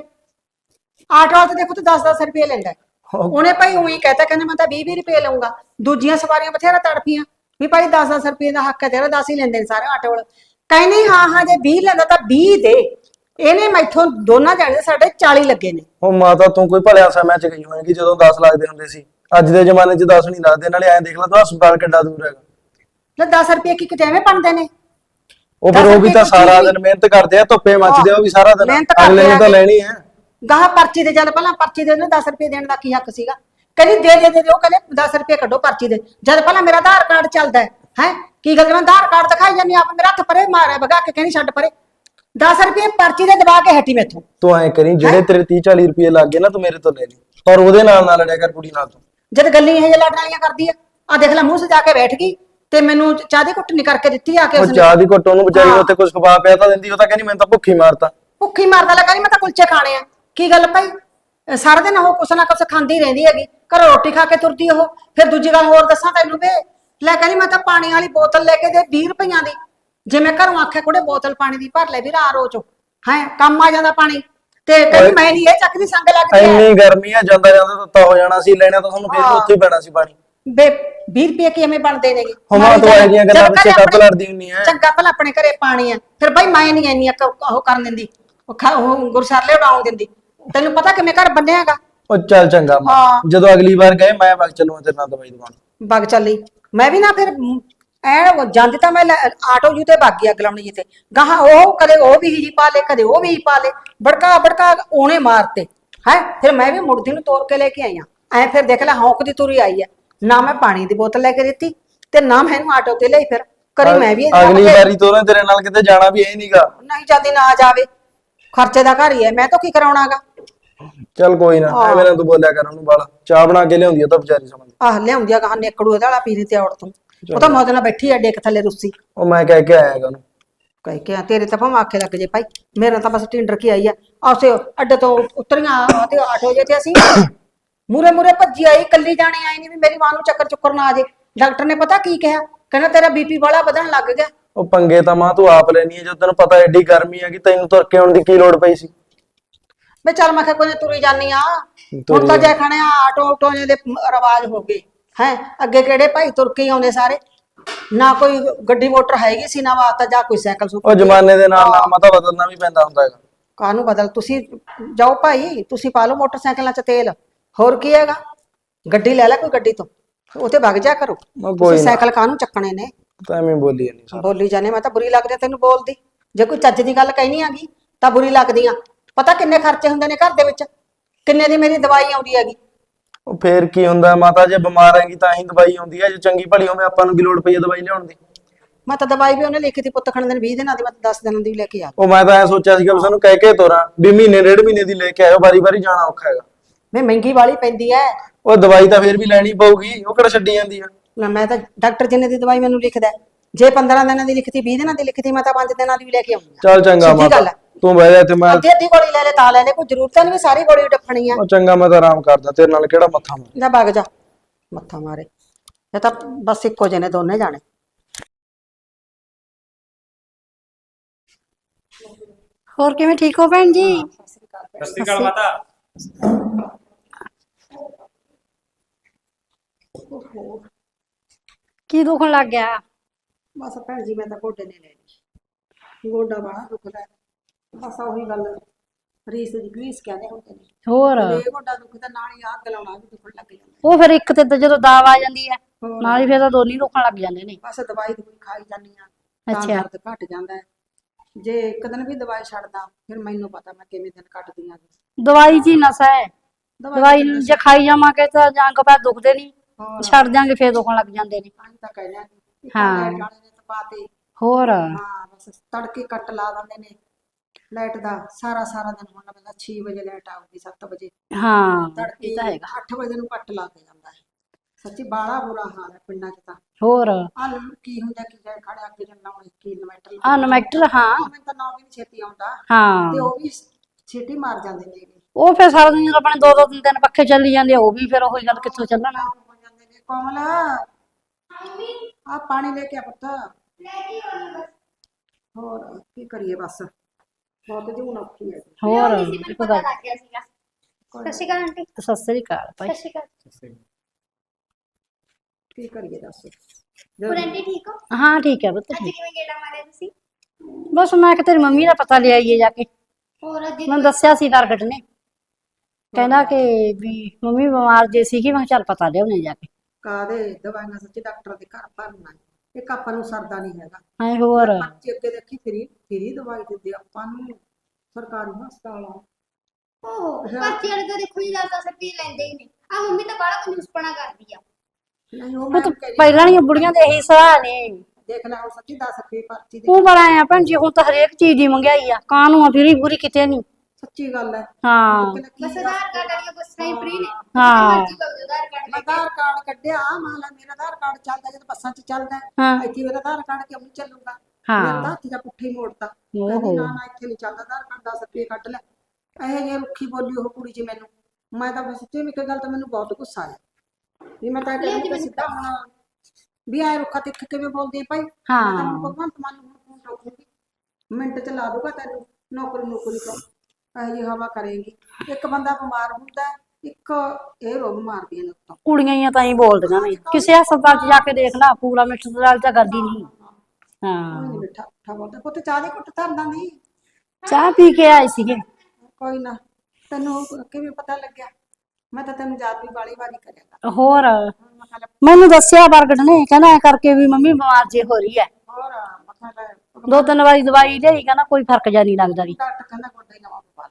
S2: ਆਟੋ ਵਾਲਾ ਤੇ ਦੇਖੋ ਤੂੰ ਦਸ ਦਸ ਰੁਪਏ ਲੈਂਦਾ ਹੈ। ਉਹਨੇ ਭਾਈ ਉਹੀ ਕਹਤਾ ਕਹਿੰਦਾ ਮੈਂ ਤਾਂ ਵੀਹ ਵੀਹ ਰੁਪਏ ਲਊਂਗਾ ਦੂਜੀਆਂ ਸਵਾਰੀਆਂ ਬਥੇਰਾ ਤੜਫੀਆਂ ਵੀ ਭਾਈ ਦਸ ਦਸ ਰੁਪਏ ਦਾ ਹੱਕ ਹੈ ਤੇਰਾ ਦਸ ਹੀ ਲੈਂਦੇ ਨੇ ਸਾਰੇ ਆਟੋ ਵਾਲੇ। ਕਹਿੰਦੀ ਹਾਂ ਹਾਂ ਜੇ ਵੀਹ ਲੈਂਦਾ ਤਾਂ ਵੀਹ ਦੇ। ਇਹਨੇ ਮੈਥੋਂ ਦੋਨਾਂ ਜਾਣੇ ਸਾਡੇ ਚਾਲੀ ਲੱਗੇ ਨੇ।
S1: ਉਹ ਮਾਤਾ ਤੂੰ ਕੋਈ ਭਲਿਆ ਸਮੇਂ ਚ ਗਈ ਹੋਏਗੀ ਜਦੋਂ ਦਸ ਲੱਗਦੇ ਹੁੰਦੇ ਸੀ ਅੱਜ ਦੇ ਜ਼ਮਾਨੇ ਚ ਦਸ ਨਹੀਂ ਲੱਗਦੇ। ਨਾਲੇ ਐਂ ਦੇਖ ਲੈ ਤੂੰ ਹਸਪਤਾਲ ਕਿੱਡਾ ਦੂਰ ਹੈਗਾ।
S2: ਲੈ ਦਸ ਰੁਪਏ ਕੀ ਕਿਤੇ ਐਵੇਂ ਬਣਦੇ ਨੇ?
S1: ਉਹ ਫਿਰ
S2: ਦਸ
S1: ਉਹ ਵੀ ਤਾਂ
S2: ਰੁਪਏ
S1: ਸਾਰਾ
S2: ਦੀ
S1: ਦਿਨ ਮਿਹਨਤ ਕਰਦੇ ਆ ਧੁੱਪੇ ਮੱਚਦੇ ਆ ਉਹ ਵੀ ਸਾਰਾ ਦਿਨ
S2: ਮਿਹਨਤ ਕਰਦੇ
S1: ਅਗਲੇ ਨੇ
S2: ਆ
S1: ਤਾਂ
S2: ਕਿ-
S1: ਲੈਣੀ ਹੈ।
S2: ਗਾਹ ਪਰਚੀ ਦੇ ਚੱਲ ਪਹਿਲਾਂ ਪਰਚੀ ਦੇ ਉਹਨੇ ਦਸ ਰੁਪਏ ਦੇਣ ਦਾ ਕੀ ਹੱਕ ਸੀਗਾ? ਕਹਿੰਦੀ ਦੇ ਦੇ ਦੇ ਦੇ, ਉਹ ਕਹਿੰਦੇ ਦਸ ਰੁਪਏ ਕੱਢੋ ਪਰਚੀ ਦੇ ਜਦ ਪਹਿਲਾਂ ਮੇਰਾ ਆਧਾਰ ਕਾਰਡ ਚੱਲਦਾ ਹੈ ਹੈ ਕੀ ਗੱਲ ਮੈਂ ਆਧਾਰ ਕਾਰਡ ਦਿਖਾਈ ਜਾਂਦੀ ਆਪ ਮੇਰਾ ਹੱਥ ਪਰੇ ਮਾਰਿਆ ਭਗਾ ਕੇ ਕਹਿੰਦੀ ਛੱਡ ਪਰੇ ਦਸ ਰੁਪਏ ਪਰਚੀ ਦੇ ਦਬਾ ਕੇ ਹਟੀ ਮੈਥੋਂ।
S1: ਤੂੰ ਐਂ ਕਰੀ ਜਿਹੜੇ ਤੇਰੇ ਤੀਹ ਚਾਲੀ ਰੁਪਏ ਲੱਗ ਗਏ ਨਾ ਤੂੰ ਮੇਰੇ ਤੋਂ ਲੈ ਲਈ ਪਰ ਉਹਦੇ ਨਾਲ ਨਾ ਲੜਿਆ ਕਰ ਕੁੜੀ ਨਾਲ ਤੂੰ।
S2: ਜਦ ਗੱਲਾਂ ਇਹ ਜਿਹੇ ਲੜਨ ਵਾਲੀਆਂ ਕਰਦੀ ਆ ਆ ਦੇਖ ਲੈ ਮੂੰਹ ਸਜਾ ਕੇ ਬੈਠ ਗਈ ਤੇ ਮੈਨੂੰ ਚਾਹ ਦੀ ਘੁੱਟ ਨਹੀਂ ਕਰਕੇ ਦਿੱਤੀ ਆ ਕੇ
S1: ਉਹ
S2: ਉਸਨੇ।
S1: ਚਾਹ ਦੀ ਘੁੱਟ ਉਹਨੂੰ ਵਿਚਾਰੀ ਨੂੰ
S2: ਹਾਂ।
S1: ਉੱਥੇ ਕੁਝ ਖਵਾ ਪਿਆ ਤਾਂ ਦਿੰਦੀ ਉਹ ਤਾਂ ਕਹਿੰਦੀ ਮੈਨੂੰ ਤਾਂ ਭੁੱਖੀ ਮਾਰਤਾ।
S2: ਭੁੱਖੀ ਮਾਰਦਾ ਲੱਗਾ ਨਹੀਂ ਮੈਂ ਤਾਂ ਕੁਲਚੇ ਖਾਣੇ ਆ। ਕੀ ਗੱਲ ਭਾਈ ਅਹ ਸਾਰਾ ਦਿਨ ਉਹ ਕੁਛ ਨਾ ਕੁਛ ਖਾਂਦੀ ਰਹਿੰਦੀ ਹੈਗੀ ਘਰੋਂ ਰੋਟੀ ਖਾ ਕੇ ਤੁਰਦੀ ਉਹ। ਫਿਰ ਦੂਜੀ ਗੱਲ ਹੋਰ ਦੱਸਾਂ ਤੈਨੂੰ ਵੇ ਲੈ ਕਹਿੰਦੀ ਮੈਂ ਤਾਂ ਪਾਣੀ ਵਾਲੀ ਬੋਤਲ ਲੈ ਕੇ ਦੇ ਵੀਹ ਰੁਪਈਆਂ ਦੀ ਜੇ ਮੈਂ ਘਰੋਂ ਆਖਿਆ ਕੁੜੇ ਬੋਤਲ ਪਾਣੀ ਦੀ ਭਰ ਲੈ ਵੀਰ ਆ ਰੋ ਚੋ ਹੈ ਕੰਮ ਆ ਜਾਂਦਾ ਪਾਣੀ ਤੇ ਕਹਿੰਦੀ ਮੈਂ ਨਹੀਂ ਇਹ ਚੱਕਦੀ ਸੰਗ ਲੱਗਦੀ ਹੈ।
S1: ਇੰਨੀ ਗਰਮੀ ਆ ਜਾਂਦਾ ਜਾਂਦਾ ਤੱਤਾ ਹੋ ਜਾਣਾ ਸੀ ਲੈਣਾ ਤਾਂ ਤੁਹਾਨੂੰ ਫਿਰ ਵੀ ਉੱਥੇ ਹੀ ਪੈਣਾ ਸੀ ਪਾਣੀ।
S2: ਬੇ ਵੀਹ ਰੁਪਏ ਕਿਵੇਂ ਬਣਦੇ ਨੇਗੇ?
S1: ਹਮਾਂ ਤੋਂ ਇਹੋ ਜਿਹੀਆਂ ਗੱਲਾਂ
S2: ਜਦ
S1: ਪਿੱਛੇ
S2: ਘਰੇ
S1: ਕੱਪ
S2: ਆਪਣੇ-
S1: ਲੜਦੀ ਹੁੰਨੀ ਐ।
S2: ਚੰਗਾ ਭਲਾ ਆਪਣੇ ਘਰੇ ਪਾਣੀ ਆ ਫਿਰ ਬਾਈ ਮੈਂ ਨਹੀਂ ਇੰਨੀ ਇੱਕ ਉਹ ਕਰਨ ਦਿੰਦੀ ਉਹ ਖਾ ਉਹ ਗੁਰਸਾਲੇ ਉਡਾਉਣ ਦਿੰਦੀ। ਤੈਨੂੰ ਪਤਾ ਕਿਵੇਂ ਘਰ ਬੰਨਿਆਗਾ?
S1: ਉਹ ਚੱਲ ਚੰਗਾ ਮਾਂ।
S2: ਹਾਂ।
S1: ਜਦੋਂ ਅਗਲੀ ਵਾਰ ਗਏ ਮੈਂ ਵਗ ਚੱਲੂਗਾ ਤੇਰੇ ਨਾਲ ਦਵਾਈ ਦਵਾਉਣ।
S2: ਵਗ ਚੱਲੀ ਮੈਂ ਵੀ ਨਾ ਫਿਰ ਐ ਜਾਂਦੀ ਤਾਂ ਮੈਂ ਲੈ- ਆਟੋ ਜੂ ਤੇ ਵਗ ਗਿਆ ਗਲਾਉਣੀ ਜੀ ਤੇ ਗਾਹਾਂ ਉਹ ਕਦੇ ਉਹ ਵੀ ਜੀ ਪਾ ਲੇ ਕਦੇ ਉਹ ਵੀ ਪਾ ਲੇ ਬੜਕਾ ਬੜਕਾ ਉਹਨੇ ਮਾਰਤੇ ਹੈ। ਫਿਰ ਮੈਂ ਵੀ ਮੁੜਦੀ ਨੂੰ ਤੋੜ ਕੇ ਲੈ ਕੇ ਆਈ ਆ ਐ ਫਿਰ ਦੇਖ ਲੈ ਹੌਂਕਦੀ ਤੁਰੀ ਆਈ ਆ ਨਾ ਮੈਂ ਪਾਣੀ ਦੀ ਬੋਤਲ ਲੈ ਕੇ ਦਿੱਤੀ ਤੇ ਨਾ ਮੈਂ ਇਹਨੂੰ ਆਟੋ ਤੇ ਲਈ ਫਿਰ ਕਰੀ ਮੈਂ ਵੀ ਇਹਦੇ ਨਾਲ
S1: ਅਗਲੀ
S2: ਫਿਰ-
S1: ਵਾਰੀ ਤੋਂ ਨਾ ਤੇਰੇ ਨਾਲ ਕਿਤੇ ਜਾਣਾ ਵੀ ਇਹ ਨਹੀਂਗਾ।
S2: ਨਹੀਂ ਜਾਂਦੀ ਨਾ ਜਾਵੇ ਖਰਚੇ ਦਾ ਘਰ ਹੀ ਹੈ ਮੈਂ ਤਾਂ ਕੀ ਕਰਾਉਣਾਗਾ।
S1: ਚੱਲ ਕੋਈ ਨਾ ਐਵੇਂ ਨਾ ਤੂੰ ਬੋਲਿਆ ਕਰ ਉਹਨੂੰ ਬਾਲਾ ਚਾਹ ਬਣਾ ਕੇ ਲਿਆਉਂਦੀ ਆ ਤਾਂ ਵਿਚਾਰੀ ਸਮਝ।
S2: ਆਹ ਲਿਆਉਂਦੀ ਆ ਗਾਹਾਂ ਨੇਕੜੂ ਇਹਦਾ ਵਾਲਾ ਪੀਰੀ ਤੇ ਔੜ ਤੂੰ ਉਹ ਤਾਂ ਮੌਤ ਨਾਲ ਬੈਠੀ ਆ ਡੇਕ ਥੱਲੇ ਰੁੱਸੀ।
S1: ਉਹ ਮੈਂ ਕਹਿ ਕੇ ਆਇਆਗਾ ਉਹਨੂੰ
S2: ਕਹਿ ਕੇ ਆ, ਤੇਰੇ ਤਾਂ ਭਾਵੇਂ ਆਖੇ ਲੱਗ ਜੇ ਭਾਈ, ਮੇਰਾ ਤਾਂ ਬਸ ਟਿੰਡਰ ਕੀ ਆਈ ਆ ਆਸੇ ਅੱਡੇ ਤੋਂ ਉਤਰੀਆਂ ਤੇ ਆਟੋ ਜੇ ਤੇ ਅਸੀਂ ਮੂਰੇ ਮੂਰੇ ਭੱਜੀ ਆਈ, ਕੱਲੀ ਜਾਣੀ ਆਈ ਨਹੀਂ ਵੀ ਮੇਰੀ ਮਾਂ ਨੂੰ ਚੱਕਰ ਚੁੱਕਰ ਨਾ ਆ ਜੇ। ਡਾਕਟਰ ਨੇ ਪਤਾ ਕੀ ਕਿਹਾ, ਕਹਿੰਦਾ ਤੇਰਾ ਬੀਪੀ ਵਾਲਾ ਵਧਣ ਲੱਗ ਗਿਆ।
S1: ਉਹ ਪੰਗੇ ਤਾਂ ਮਾਂ ਤੂੰ ਆਪ ਲੈਣੀ ਹੈ, ਜਦੋਂ ਤੈਨੂੰ ਪਤਾ ਐਡੀ ਗਰਮੀ ਆ ਕਿ ਤੈਨੂੰ ਤੁਰ ਕੇ ਆਉਣ ਦੀ ਕੀ ਲੋੜ ਪਈ ਸੀ।
S2: ਮੈਂ ਚੱਲ ਮੈਂ ਕਿਹਾ ਕੋਈ ਨੀ, ਤੁਰੀ ਜਾਨੀ ਆ ਹੁਣ ਤਾਂ ਜੇ ਖਾਣੇ ਆ ਆਟੋ ਆਟੋ ਦੇ ਰਿਵਾਜ ਹੋ ਗਏ ਹੈ। ਅੱਗੇ ਕਿਹੜੇ ਭਾਈ ਤੁਰ ਕੇ ਹੀ ਆਉਂਦੇ ਸਾਰੇ, ਨਾ ਕੋਈ ਗੱਡੀ ਮੋਟਰ ਹੈਗੀ ਸੀ ਨਾ ਵਾਸਤਾ ਜਾਂ ਕੋਈ ਸਾਈਕਲ ਸੁ
S1: ਉਹ ਜ਼ਮਾਨੇ ਦੇ ਨਾਲ ਨਾਲ ਮਤਾ ਬਦਲਣਾ ਵੀ ਪੈਂਦਾ ਹੁੰਦਾ ਹੈਗਾ।
S2: ਕਾਹਨੂੰ ਬਦਲ, ਤੁਸੀਂ ਜਾਓ ਭਾਈ, ਤੁਸੀਂ ਪਾ ਲਓ ਮੋਟਰਸਾਈਕਲਾਂ 'ਚ ਤੇਲ, ਹੋਰ ਕੀ ਹੈਗਾ। ਗੱਡੀ ਲੈ ਲੈ ਕੋਈ ਗੱਡੀ ਤੋਂ, ਉਤੇ ਵਗ ਜਾ ਕਰੋ। ਤੁਸੀਂ ਸਾਈਕਲ ਕਾਹਨੂੰ ਚੱਕਣੇ ਨੇ,
S1: ਤਾਂ ਐਵੇਂ ਬੋਲੀ ਜਾਂਦੀ
S2: ਬੋਲੀ ਜਾਨੇ। ਮੈਂ ਤਾਂ ਬੁਰੀ ਲੱਗਦੀ ਆ ਤੈਨੂੰ ਬੋਲਦੀ, ਜੇ ਕੋਈ ਚੱਜ ਦੀ ਗੱਲ ਕਹਿਣੀ ਆਗੀ ਤਾਂ ਬੁਰੀ ਲੱਗਦੀ ਆ। ਪਤਾ ਕਿੰਨੇ ਖਰਚੇ ਹੁੰਦੇ ਨੇ ਘਰ ਦੇ ਵਿੱਚ, ਕਿੰਨੇ ਦੀ ਮੇਰੀ ਦਵਾਈ ਆਉਂਦੀ ਹੈਗੀ।
S1: ਉਹ ਫੇਰ ਕੀ ਹੁੰਦਾ ਮਾਤਾ, ਜੇ ਬਿਮਾਰ ਹੈਗੀ ਤਾਂ ਹੀ ਦਵਾਈ ਆਉਂਦੀ ਹੈ, ਜੇ ਚੰਗੀ ਭਲੀ ਹੋਵੇ ਆਪਾਂ ਨੂੰ ਕੀ ਲੋੜ ਪਈ ਹੈ ਦਵਾਈ ਲਿਆਉਣ ਦੀ।
S2: ਮੈਂ ਤਾਂ ਦਵਾਈ ਵੀ ਉਹਨੇ ਲਿਖੀ ਤੀ ਪੁੱਤ ਖਣ ਦਿਨ ਵੀਹ ਦਿਨਾਂ ਦੀ, ਮੈਂ ਦਸ ਦਿਨਾਂ ਦੀ ਲੈ ਕੇ ਆ।
S1: ਉਹ ਮੈਂ ਤਾਂ ਐ ਸੋਚਿਆ ਸੀਗਾ ਵੀ ਸਾਨੂੰ ਕਹਿ ਕੇ ਤੋਰਾਂ ਵੀ ਮਹੀਨੇ ਡੇਢ ਮਹੀਨੇ ਦੀ ਲੈ ਕੇ ਆਇਓ, ਵਾਰੀ ਵਾਰੀ ਜਾਣਾ ਔਖਾ ਹੈਗਾ।
S2: ਮੈਂ ਮਹਿੰਗੀ ਵਾਲੀ ਪੈਂਦੀ ਐ,
S1: ਉਹ ਦਵਾਈ ਤਾਂ ਫੇਰ ਵੀ ਲੈਣੀ ਪਊਗੀ, ਉਹ ਕਿਹੜਾ ਛੱਡੀ ਜਾਂਦੀ ਆ।
S2: ਲੈ ਮੈਂ ਤਾਂ ਡਾਕਟਰ ਜਿੰਨੇ ਦੀ ਦਵਾਈ ਮੈਨੂੰ ਲਿਖਦਾ, ਜੇ ਪੰਦਰਾਂ ਦਿਨਾਂ ਦੀ ਲਿਖਤੀ ਵੀਹ ਦਿਨਾਂ ਦੀ ਲਿਖਤੀ, ਮੈਂ ਤਾਂ ਪੰਜ ਦਿਨਾਂ ਦੀ ਵੀ ਲੈ ਕੇ ਆਉਂਦੀ।
S1: ਚੱਲ ਚੰਗਾ ਮਾਤਾ, ਤੂੰ ਬਹਿ ਜਾ ਇੱਥੇ, ਮੈਂ
S2: ਅੱਧੀ ਅੱਧੀ ਗੋਲੀ ਲੈ ਲੈ ਤਾਂ ਲੈ ਲੈ, ਕੋਈ ਜ਼ਰੂਰਤ ਨਹੀਂ ਸਾਰੀ ਗੋਲੀ ਡੱਫਣੀ ਆ।
S1: ਉਹ ਚੰਗਾ ਮੈਂ ਤਾਂ ਆਰਾਮ ਕਰਦਾ, ਤੇਰੇ ਨਾਲ ਕਿਹੜਾ ਮੱਥਾ ਮਾਰ।
S2: ਜਾ ਵਗ ਜਾ, ਮੱਥਾ ਮਾਰੇ ਇਹ ਤਾਂ ਬਸ ਇੱਕੋ ਜਿਹੇ ਨੇ ਦੋਨੇ ਜਾਣੇ।
S5: ਹੋਰ ਕਿਵੇਂ, ਠੀਕ ਹੋ ਭੈਣ ਜੀ?
S4: ਸਤਿ ਸ਼੍ਰੀ ਅਕਾਲ ਮਾਤਾ।
S5: ਕੀ ਦੁਖਣ ਲੱਗ ਗਿਆ?
S2: ਬਸ ਭੈਣ ਜੀ ਮੈਂ ਤਾਂ ਗੋਡੇ ਨੇ ਲੈ ਲਈ, ਗੋਡਾ ਬੜਾ ਦੁਖਦਾ, ਬਸ ਉਹੀ ਗੱਲ ਰੀਸ ਦੀ ਗਰੀਸ ਕਹਿੰਦੇ ਹੁੰਦੇ ਨੇ।
S5: ਹੋਰ
S2: ਇਹ ਗੋਡਾ ਦੁਖਦਾ ਨਾਲ ਹੀ ਆਹ ਗਲਾਉਣਾ ਵੀ ਦੁਖਣ ਲੱਗ ਜਾਂਦਾ।
S5: ਉਹ ਫਿਰ ਇੱਕ ਤੇ ਤਾਂ ਜਦੋਂ ਦਾਵ ਆ ਜਾਂਦੀ ਹੈ ਨਾਲ ਹੀ ਫਿਰ ਤਾਂ ਦੋਨੀ ਦੁਖਣ ਲੱਗ ਜਾਂਦੇ ਨੇ।
S2: ਬਸ ਦਵਾਈ ਦਵਾਈ ਖਾਈ ਜਾਂਦੀ ਆ ਤਾਂ
S5: ਅੱਛਾ।
S2: ਦਰਦ ਘਟ ਜਾਂਦਾ ਹੈ। ਜੇ ਇੱਕ ਦਿਨ ਵੀ ਦਵਾਈ ਛੱਡਦਾ ਫਿਰ ਮੈਨੂੰ ਪਤਾ ਮੈਂ ਕਿਵੇਂ ਦਿਨ ਕੱਟਦੀ ਆ।
S5: ਦਵਾਈ 'ਚ ਹੀ ਨਸ਼ਾ ਹੈ, ਦਵਾਈ ਜੇ ਖਾਈ ਜਾਵਾਂਗੇ ਤਾਂ ਜੰਗ ਪੈ ਦੁਖਦੇ ਨਹੀਂ, ਛੱਡ ਜਾਾਂਗੇ ਫਿਰ ਦੁਖਣ ਲੱਗ ਜਾਂਦੇ ਨੇ।
S2: ਅਸੀਂ ਤਾਂ ਕਹਿ ਲਿਆ
S5: ਹਾਂ।
S2: ਲਾਈਟ ਵਾਲੇ ਨੇ ਤਪਾਤੇ,
S5: ਹੋਰ
S2: ਹਾਂ ਬਸ ਤੜਕੇ ਕੱਟ ਲਾ ਦਿੰਦੇ ਨੇ ਲਾਈਟ ਦਾ। ਸਾਰਾ ਸਾਰਾ ਦਿਨ ਹੁਣ ਬੰਦਾ ਛੇ ਵਜੇ ਲਾਈਟ ਆਉਗੀ, ਸੱਤ ਵਜੇ
S5: ਹਾਂ
S2: ਤੜਕੇ
S5: ਇਹ ਤਾਂ ਹੈਗਾ।
S2: ਅੱਠ ਵਜੇ ਨੂੰ ਕੱਟ ਲਾ ਕੇ ਜਾਂਦਾ ਹੈ। ਸੱਚੀ ਬਾਲਾ ਬੁਰਾ ਹਾਲ ਹੈ ਪਿੰਡਾਂ 'ਚ ਤਾਂ।
S5: ਹੋਰ
S2: ਆ ਕੀ ਹੁੰਦਾ ਕੀ ਜਾਏ ਖੜੇ ਅੱਗੇ ਜੰਨਾ ਹੋਏ ਕੀ ਇਨਵਰਟਰ
S5: ਆ ਇਨਵਰਟਰ, ਹਾਂ
S2: ਮੈਨੂੰ ਤਾਂ ਨਾ ਵੀ ਨੀ ਛੇਤੀ ਆਉਂਦਾ
S5: ਹਾਂ।
S2: ਤੇ ਉਹ ਵੀ ਛੇਤੀ ਮਾਰ ਜਾਂਦੇ ਨੇ।
S5: ਉਹ ਫਿਰ ਸਾਰਾ ਦਿਨ ਜਦੋਂ ਆਪਣੇ ਦੋ ਦੋ ਤਿੰਨ ਤਿੰਨ ਪੱਖੇ ਚੱਲੀ ਜਾਂਦੇ, ਉਹ ਵੀ ਫਿਰ ਉਹੀ ਗੱਲ ਕਿੱਥੋਂ ਚੱਲਣਾ।
S2: ਹੋ ਜਾਂਦੇ ਨੇ। ਕੋਮਲ ਆ ਪਾਣੀ ਲੈ ਕੇ ਆ ਪੁੱਤ। ਹੋਰ ਕੀ ਕਰੀਏ, ਬਸ ਬਹੁਤ ਜੂਨ ਔਖੀ ਹੈ।
S5: ਹੋਰ
S3: ਪਤਾ ਲੱਗ ਗਿਆ ਸੀਗਾ। ਸਤਿ ਸ਼੍ਰੀ ਅਕਾਲ ਆਂਟੀ।
S5: ਸਤਿ ਸ੍ਰੀ ਅਕਾਲ ਭਾਈ।
S3: ਸਤਿ ਸ਼੍ਰੀ ਅਕਾਲ।
S2: ਕੀ ਕਰੀਏ ਦੱਸ।
S3: ਹੋਰ ਆਂਟੀ ਠੀਕ ਹੋ?
S5: ਹਾਂ ਠੀਕ ਹੈ ਪੁੱਤ।
S3: ਅੱਜ ਕਿਵੇਂ ਗੇੜਾ ਮਾਰਿਆ ਤੁਸੀਂ?
S5: ਬਸ ਮੈਂ ਕਿ ਤੇਰੀ ਮੰਮੀ ਦਾ ਪਤਾ ਲੈ ਆਈਏ ਜਾ ਕੇ।
S3: ਹੋਰ ਅੱਜ
S5: ਮੈਨੂੰ ਦੱਸਿਆ ਸੀ ਪ੍ਰਗਟ ਨੇ, ਕਹਿੰਦਾ ਕਿ ਵੀ ਮੰਮੀ ਬਿਮਾਰ ਜੇ ਸੀਗੀ। ਮੈਂ ਕਿਹਾ ਚੱਲ ਪਤਾ ਲਿਆਉਣੇ ਜਾ ਕੇ।
S2: ਕਾਦੇ ਦਵਾਈਆਂ ਸੱਚੀ ਡਾਕਟਰ ਦੇ ਘਰ ਭਰਨਾ ਇੱਕ ਆਪਾਂ ਨੂੰ ਸਰਦਾ ਨਹੀਂ ਹੈਗਾ।
S5: ਐ ਹੋਰ
S2: ਪਰਚੀ ਅੱਗੇ ਦੇਖੀ ਫਰੀ ਫਰੀ ਦਵਾਈ ਦਿੰਦੇ ਆਪਾਂ ਨੂੰ ਸਰਕਾਰੀ ਹਸਪਤਾਲਾਂ।
S3: ਉਹ ਪਰਚੀ ਵਾਲੇ ਤਾਂ ਦੇਖੋ ਜੀ ਦਸ ਰੁਪਏ ਲੈਂਦੇ ਹੀ ਨੇ। ਆ ਮੰਮੀ ਤਾਂ ਬੜਾ ਕੰਜੂਸਪਣਾ ਕਰਦੀ ਆ।
S2: ਨਹੀਂ ਉਹ
S5: ਉਹ
S2: ਮੈਂ
S5: ਤਾਂ
S2: ਕਹਿ ਰਹੀ
S5: ਪਹਿਲਾਂ ਵਾਲੀਆਂ ਬੁੜੀਆਂ ਦੇ ਇਹੀ ਸਲਾਹ ਨੇ।
S2: ਦੇਖ ਲੈ ਉਹ ਸੱਚੀ ਦਸ ਰੁਪਏ ਪਰਚੀ ਦੇ।
S5: ਉਹ ਬੜਾ ਆ ਭੈਣ ਜੀ, ਹੁਣ ਤਾਂ ਹਰੇਕ ਚੀਜ਼ ਦੀ ਮਹਿੰਗਾਈ ਆ। ਕਾਹਨੂੰ ਆ ਫਿਰ ਪੂਰੀ ਕਿਤੇ ਨਹੀਂ।
S2: ਸੱਚੀ ਗੱਲ ਹੈ।
S5: ਹਾਂ
S3: ਬਸ ਆਧਾਰ ਕਾਰਡ ਵਾਲੀਆਂ ਬੱਸਾਂ ਹੀ ਫ੍ਰੀ ਨੇ।
S5: ਹਾਂ
S3: ਮਰਜ਼ੀ ਕਰ ਦਿਓ ਆਧਾਰ ਕਾਰਡ ਲੈ ਕੇ।
S2: ਆਧਾਰ ਕਾਰਡ ਕੱਢਿਆ ਮੰਨ ਲਾ ਮੇਰਾ ਆਧਾਰ ਕਾਰਡ ਚੱਲਦਾ ਜਦ ਬੱਸਾਂ 'ਚ ਚੱਲਦਾ
S5: ਹਾਂ
S2: ਇੱਥੇ ਮੇਰਾ ਆਧਾਰ ਕਾਰਡ ਕਿਉਂ ਨਹੀਂ ਚੱਲੂਗਾ।
S5: ਹਾਂ।
S2: ਮੇਰਾ ਤਾਂ ਹੱਥ ਜਾ ਪੁੱਠੀ ਮੋੜਤਾ, ਕਹਿੰਦੀ ਨਾ ਨਾ ਇੱਥੇ ਨਹੀਂ ਚੱਲਦਾ ਆਧਾਰ ਕਾਰਡ, ਦਸ ਰੁਪਏ ਕੱਢ ਲੈ। ਇਹੋ ਜਿਹੀ ਰੁੱਖੀ ਬੋਲੀ ਉਹ ਕੁੜੀ ਜੀ ਮੈਨੂੰ। ਮੈਂ ਤਾਂ ਸੱਚੀ ਇੱਕ ਗੱਲ ਤਾਂ ਮੈਨੂੰ ਬਹੁਤ ਗੁੱਸਾ ਆਇਆ ਵੀ ਮੈਂ ਤਾਂ ਕਹਿੰਦੀ ਕਿ ਸਿੱਧਾ ਹੁਣ ਵੀ ਆਏ ਰੁੱਖਾ ਤਿੱਖ ਕਿਵੇਂ ਬੋਲਦੀ ਹੈ ਭਾਈ।
S5: ਹਾਂ।
S2: ਮੈਂ ਤਾਂ ਭਗਵੰਤ ਮਾਨ ਨੂੰ ਫੋਨ ਠੋਕੂਗੀ, ਮਿੰਟ ਚ ਲਾ ਦੂਗਾ ਤੈਨੂੰ ਨੌਕਰੀ ਨੌਕਰੀ ਤੋਂ। ਇਹੋ ਜਿਹੀ ਹਵਾ ਕਰੇਗੀ। ਇੱਕ ਬੰਦਾ ਬਿਮਾਰ ਹੁੰਦਾ, ਇੱਕ ਇਹ ਰੋਗ ਮਾਰਦੀਆਂ ਨੇ ਉੱਤੋਂ।
S5: ਕੁੜੀਆਂ ਹੀ ਤਾਂ ਹੀ ਬੋਲਦੀਆਂ ਨੇ। ਕਿਸੇ ਹਸਪਤਾਲ 'ਚ ਜਾ ਕੇ ਦੇਖ ਲਾ, ਪੂਰਾ ਮਿੱਠਾ ਤਾਂ ਕਰਦੀ ਨਹੀਂ। ਹਾਂ
S2: ਕੋਈ ਨੀ ਮਿੱਠਾ ਮਿੱਠਾ ਬੋਲਦਾ ਪੁੱਤ। ਚਾਹ ਦੀ ਘੁੱਟ ਧਰਦਾ ਨਹੀਂ।
S5: ਚਾਹ ਪੀ ਕੇ ਆਏ ਸੀਗੇ।
S2: ਕੋਈ ਨਾ, ਤੈਨੂੰ ਕਿਵੇਂ ਪਤਾ ਲੱਗਿਆ? ਮੈਂ ਤਾਂ ਤੈਨੂੰ ਯਾਦ ਵੀ ਵਾਲੀ ਵਾਰੀ ਕਰਿਆ।
S5: ਹੋਰ
S2: ਮੈਂ ਕਿਹਾ ਲੈ
S5: ਮੈਨੂੰ ਦੱਸਿਆ ਪ੍ਰਗਟ ਨੇ, ਕਹਿੰਦਾ ਐ ਕਰਕੇ ਵੀ ਮੰਮੀ ਬਿਮਾਰ ਜੇ ਹੋ ਰਹੀ ਹੈ।
S2: ਹੋਰ ਮੈਂ ਕਿਹਾ ਲੈ
S5: ਦੋ ਤਿੰਨ ਵਾਰੀ ਦਵਾਈ ਲਈ, ਕਹਿੰਦਾ ਕੋਈ ਫਰਕ ਜਿਹਾ ਨਹੀਂ ਲੱਗਦਾ ਵੀ।
S2: ਡਾਕਟਰ ਕਹਿੰਦਾ ਗੋਡਾ ਹੀ ਨਵਾਂ ਪਵਾ ਲੈ।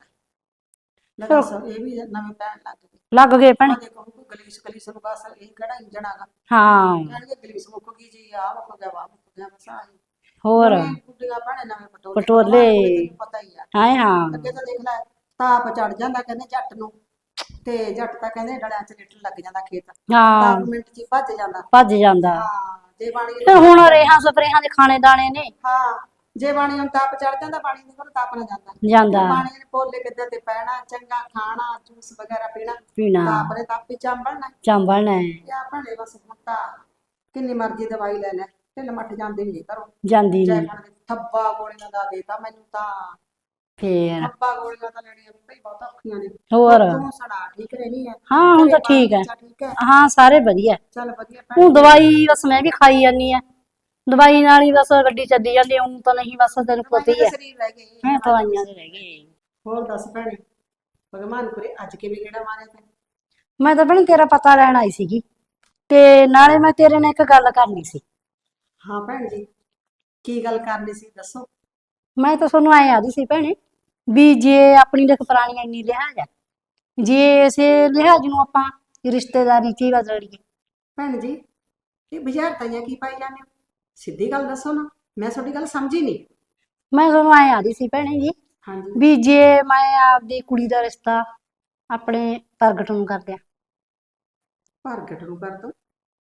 S2: ਲੈ ਦੱਸ ਇਹ ਵੀ ਨਵੇਂ ਪੈਣ ਲੱਗ ਗਏ।
S5: ਲੱਗ ਗਏ ਭੈਣੇ।
S2: ਮੈਂ ਦੇਖੋ ਕੋਈ ਗਲੀਸ ਗਲੀਸ ਨੂੰ ਬਸ ਇਹ ਕਿਹੜਾ ਇੰਜਣ ਆਗਾ।
S5: ਹਾਂ
S2: ਕਹਿਣਗੇ ਗਲੀਸ ਮੁੱਕ ਗਈ ਜੀ, ਆ ਮੁੱਕ ਗਿਆ, ਵਾ ਮੁੱਕ ਗਿਆ, ਬਸ ਆਹੀ।
S5: ਹੋਰ
S2: ਨਵੇਂ ਗੁੱਡੀਆਂ ਭੈਣੇ ਨਵੇਂ ਪਟੋਲੇ
S5: ਪਟੋਲੇ।
S2: ਤੈਨੂੰ ਪਤਾ ਹੀ ਆ।
S5: ਹਾਏ ਹਾਂ
S2: ਅੱਗੇ ਤਾਂ ਦੇਖ ਲੈ ਤਾਪ ਚੜ ਜਾਂਦਾ ਕਹਿੰਦੇ ਜੱਟ ਨੂੰ, ਤੇ ਜੱਟ ਤਾਂ ਕਹਿੰਦੇ ਡਲਿਆਂ 'ਚ ਲਿਟਣ ਲੱਗ ਜਾਂਦਾ ਖੇਤ।
S5: ਹਾਂ
S2: ਤਾਪ ਮਿੰਟ 'ਚ ਹੀ ਭੱਜ ਜਾਂਦਾ।
S5: ਭੱਜ ਜਾਂਦਾ।
S2: ਹਾਂ ਜੇ ਬਾਣੀ
S5: ਫਿਰ ਹੁਣ ਰੇਹਾਂ ਸਪਰੇਹਾਂ ਦੇ ਖਾਣੇ ਦਾਣੇ ਨੇ।
S2: ਹਾਂ ਜੇ ਬਾਣੀ ਨੂੰ ਤਾਪ ਚੜ ਜਾਂਦਾ ਬਾਣੀ ਦੇ ਕੋਲ ਤਾਪ ਨਾ ਜਾਂਦਾ
S5: ਜਾਂਦਾ
S2: ਬਾਣੀ ਨੇ ਪੋਲੇ ਕਿੱਦਾਂ ਤੇ ਪੈਣਾ ਚੰਗਾ ਖਾਣਾ ਜੂਸ ਵਗੈਰਾ ਪੀਣਾ
S5: ਪੀਣਾ
S2: ਤਾਪ ਨੇ ਤਾਪੀ ਚਾਂਬਲਣਾ
S5: ਚੰਬਲਣਾ ਹੈ,
S2: ਕਿਆ ਭਣੇ ਬਸ ਹੁਣ ਤਾਂ ਕਿੰਨੀ ਮਰਜ਼ੀ ਦਵਾਈ ਲੈ ਲੈ ਢਿੱਲ ਮੱਠ ਜਾਂਦੀ ਨਹੀਂ ਘਰੋਂ
S5: ਜਾਂਦੀ
S2: ਜੈ
S5: ਨਹੀਂ
S2: ਭਣ ਦੇ ਥੱਬਾ ਗੋਲੀਆਂ ਦਾ ਦੇਤਾ ਮੈਨੂੰ ਤਾਂ
S5: ਫੇਰ
S2: ਥੱਬਾ ਗੋਲੀਆਂ ਤਾਂ ਲੈਣੀਆਂ ਵੀ ਭਈ ਬਹੁਤ ਔਖੀਆਂ ਨੇ
S5: ਹੋਰ
S2: ਤੂੰ ਸੁਣਾ ਠੀਕ ਰਹਿਣੀ ਹੈ
S5: ਹਾਂ ਹੁਣ ਤਾਂ
S2: ਘਰੇ
S5: ਠੀਕ ਹੈ,
S2: ਬੱਚਾ ਠੀਕ ਹੈ
S5: ਹਾਂ ਸਾਰੇ ਵਧੀਆ।
S2: ਚੱਲ ਵਧੀਆ ਭੈਣ
S5: ਹੁਣ ਦਵਾਈ ਬਸ ਮੈਂ ਵੀ ਖਾਈ ਜਾਂਦੀ ਆ, ਦਵਾਈ ਨਾਲ ਹੀ ਬਸ ਗੱਡੀ ਚੱਲੀ ਜਾਂਦੀ, ਹੁਣ ਤਾਂ ਨਹੀਂ ਬਸ ਤੈਨੂੰ ਪਤਾ ਹੀ ਹੈ
S2: ਸਰੀਰ ਰਹਿ ਗਏ
S5: ਹੈ ਦਵਾਈਆਂ ਦੇ ਰਹਿ ਗਏ।
S2: ਹੋਰ ਦੱਸ ਭੈਣੇ ਭਗਵਾਨ ਕਰੇ ਅੱਜ ਕਿਵੇਂ ਗੇੜਾ ਮਾਰਿਆ ਤੈਂ
S5: ਮੈਂ ਤਾਂ ਭੈਣ ਤੇਰਾ ਪਤਾ ਲੈਣ ਆਈ ਸੀਗੀ, ਤੇ ਨਾਲੇ ਮੈਂ ਤੇਰੇ ਨਾਲ ਇੱਕ ਗੱਲ ਕਰਨੀ ਸੀ।
S2: ਹਾਂ ਭੈਣ ਜੀ ਕੀ ਗੱਲ ਕਰਨੀ ਸੀ ਦੱਸੋ
S5: ਮੈਂ ਤਾਂ ਤੁਹਾਨੂੰ ਐਂ ਆਦੀ ਸੀ ਭੈਣੇ ਵੀ ਜੇ ਆਪਣੀ ਦੇਖ ਪੁਰਾਣੀ ਇੰਨੀ ਲਿਹਾਜ਼ ਹੈ, ਜੇ ਇਸੇ ਲਿਹਾਜ਼ ਨੂੰ ਆਪਾਂ ਰਿਸ਼ਤੇਦਾਰੀ ਚ ਹੀ ਬਦਲ ਲਈਏ।
S2: ਭੈਣ ਜੀ ਇਹ ਬੁਝਾਰਤਾਂ ਕੀ ਪਾਈ ਜਾਂਦੇ ਹੋ ਸਿੱਧੀ ਗੱਲ ਦੱਸੋ ਨਾ ਮੈਂ ਤੁਹਾਡੀ ਗੱਲ ਸਮਝੀ ਨਹੀਂ
S5: ਮੈਂ ਤੁਹਾਨੂੰ ਐਂ ਆਦੀ ਸੀ ਭੈਣੇ ਜੀ
S2: ਹਾਂਜੀ
S5: ਵੀ ਜੇ ਮੈਂ ਆਪਦੀ ਕੁੜੀ ਦਾ ਰਿਸ਼ਤਾ ਆਪਣੇ ਪ੍ਰਗਟ ਨੂੰ ਕਰ ਦਿਆਂ।
S2: ਪ੍ਰਗਟ ਨੂੰ ਕਰ ਦੋ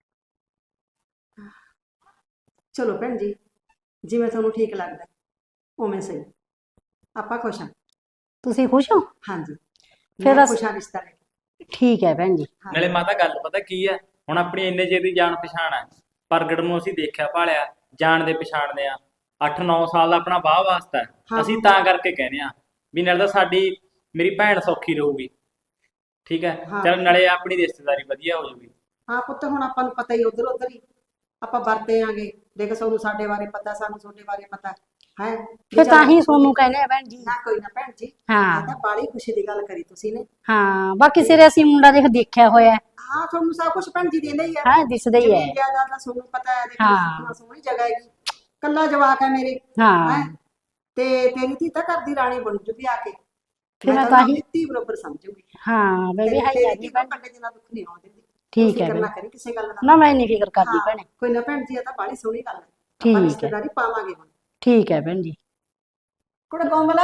S2: ਚਲੋ ਭੈਣ ਜੀ ਜਿਵੇਂ ਤੁਹਾਨੂੰ ਠੀਕ ਲੱਗਦਾ ਉਵੇਂ ਸਹੀ ਆਪਾਂ ਖੁਸ਼ ਹਾਂ
S5: ਤੁਸੀਂ ਖੁਸ਼ ਹੋ?
S2: ਹਾਂਜੀ
S5: ਫਿਰ
S2: ਮੈਂ
S5: ਅਸ-
S2: ਖੁਸ਼ ਹਾਂ ਰਿਸ਼ਤਾ ਲੈ ਕੇ।
S5: ਠੀਕ ਹੈ ਭੈਣ ਜੀ।
S4: ਨਾਲੇ ਮਾਤਾ ਗੱਲ ਪਤਾ ਕੀ ਹੈ, ਹੁਣ ਆਪਣੀ ਇੰਨੇ ਚਿਰ ਦੀ ਜਾਣ ਪਛਾਣ ਹੈ, ਪ੍ਰਗਟ ਨੂੰ ਅਸੀਂ ਦੇਖਿਆ ਭਾਲਿਆ ਜਾਣਦੇ ਪਛਾਣਦੇ ਆ, ਅੱਠ ਨੌ ਸਾਲ ਦਾ ਆਪਣਾ ਵਾਹ ਵਾਸਤਾ ਹੈ।
S2: ਹਾਂ।
S4: ਅਸੀਂ ਤਾਂ ਕਰਕੇ ਕਹਿੰਦੇ ਆ ਵੀ ਨਾਲੇ ਤਾਂ ਸਾਡੀ ਮੇਰੀ ਭੈਣ ਸੌਖੀ ਰਹੂਗੀ, ਠੀਕ ਹੈ,
S2: ਹਾਂ।
S4: ਚਲ ਨਾਲੇ ਆਪਣੀ ਰਿਸ਼ਤੇਦਾਰੀ ਵਧੀਆ ਹੋ ਜਾਊਗੀ।
S2: ਹਾਂ ਪੁੱਤ ਹੁਣ ਆਪਾਂ ਨੂੰ ਪਤਾ ਹੀ ਉਧਰ ਉਧਰ ਹੀ ਆਪਾਂ ਵਰਤੇ ਆਂਗੇ ਦੇਖ ਸਾਨੂੰ ਸਾਡੇ ਬਾਰੇ ਪਤਾ ਸਾਨੂੰ ਤੁਹਾਡੇ ਬਾਰੇ ਪਤਾ ਹੈ
S5: ਫਿਰ ਤਾਂ ਹੀ ਤੁਹਾਨੂੰ ਕਹਿੰਦੇ ਆ ਭੈਣ ਜੀ।
S2: ਨਾ ਕੋਈ ਨਾ ਭੈਣ ਜੀ
S5: ਹਾਂ
S2: ਇਹ ਤਾਂ ਬਾਲੀ ਖੁਸ਼ੀ ਦੀ ਗੱਲ ਕਰੀ ਤੁਸੀਂ ਨੇ
S5: ਹਾਂ ਬਾਕੀ ਸਿਰੇ ਅਸੀਂ ਮੁੰਡਾ ਦੇਖ ਦੇਖਿਆ ਹੋਇਆ ਹੈ।
S2: ਹਾਂ ਤੁਹਾਨੂੰ ਸਭ ਕੁਝ ਭੈਣ ਜੀ ਦਿੰਦੇ ਹੀ ਆ
S5: ਹਾਂ ਦਿਸਦਾ ਹੀ ਹੈ।
S2: ਜ਼ਮੀਨ ਜਾਇਦਾਦ ਦਾ ਤੁਹਾਨੂੰ ਪਤਾ ਹੈ ਦੇਖੋ
S5: ਹਾਂ।
S2: ਕਿੰਨਾ ਸੋਹਣੀ ਜਗ੍ਹਾ ਹੈਗੀ ਕੱਲਾ ਜਵਾਕ ਹੈ ਮੇਰੇ
S5: ਹਾਂ
S2: ਹੈਂ ਤੇ ਤੇਰੀ ਧੀ ਤਾਂ ਘਰ ਦੀ ਰਾਣੀ ਬਣ ਜੂਗੀ ਆ ਕੇ
S5: ਫਿਰ ਮੈਂ
S2: ਤਾਂ
S5: ਤਾਂ
S2: ਆਪਣੀ
S5: ਹੀ
S2: ਧੀ ਬਰੋਬਰ ਸਮਝੂਗੀ
S5: ਹਾਂ ਮੈਂ ਵੀ
S2: ਤੇਰੀ
S5: ਹੈ
S2: ਤੇਰੀ
S5: ਹੀ
S2: ਧੀ
S5: ਭੈਣ।
S2: ਤਾਂ ਕੱਲੇ ਜਿੰਨਾ ਦੁੱਖ ਨਹੀਂ ਆਉਣ ਦਿੰਦੀ
S5: ਠੀਕ
S2: ਫਿਕਰ
S5: ਹੈ
S2: ਨਾ
S5: ਭੈਣ।
S2: ਕਰੀ ਕਿਸੇ ਗੱਲ ਦਾ
S5: ਨਾ ਮੈਂ ਨਹੀਂ ਫਿਕਰ ਕਰਦੀ
S2: ਹਾਂ,
S5: ਭੈਣੇ।
S2: ਕੋਈ ਨਾ ਭੈਣ ਜੀ ਇਹ ਤਾਂ ਬਾਲੀ ਸੋਹਣੀ ਗੱਲ ਹੈ
S5: ਠੀਕ
S2: ਆਪਾਂ
S5: ਹੈ।
S2: ਰਿਸ਼ਤੇਦਾਰੀ ਪਾਵਾਂਗੇ ਹੁਣ
S5: ਠੀਕ ਹੈ ਭੈਣ ਜੀ।
S2: ਕੁੜੇ ਕੋਮਲ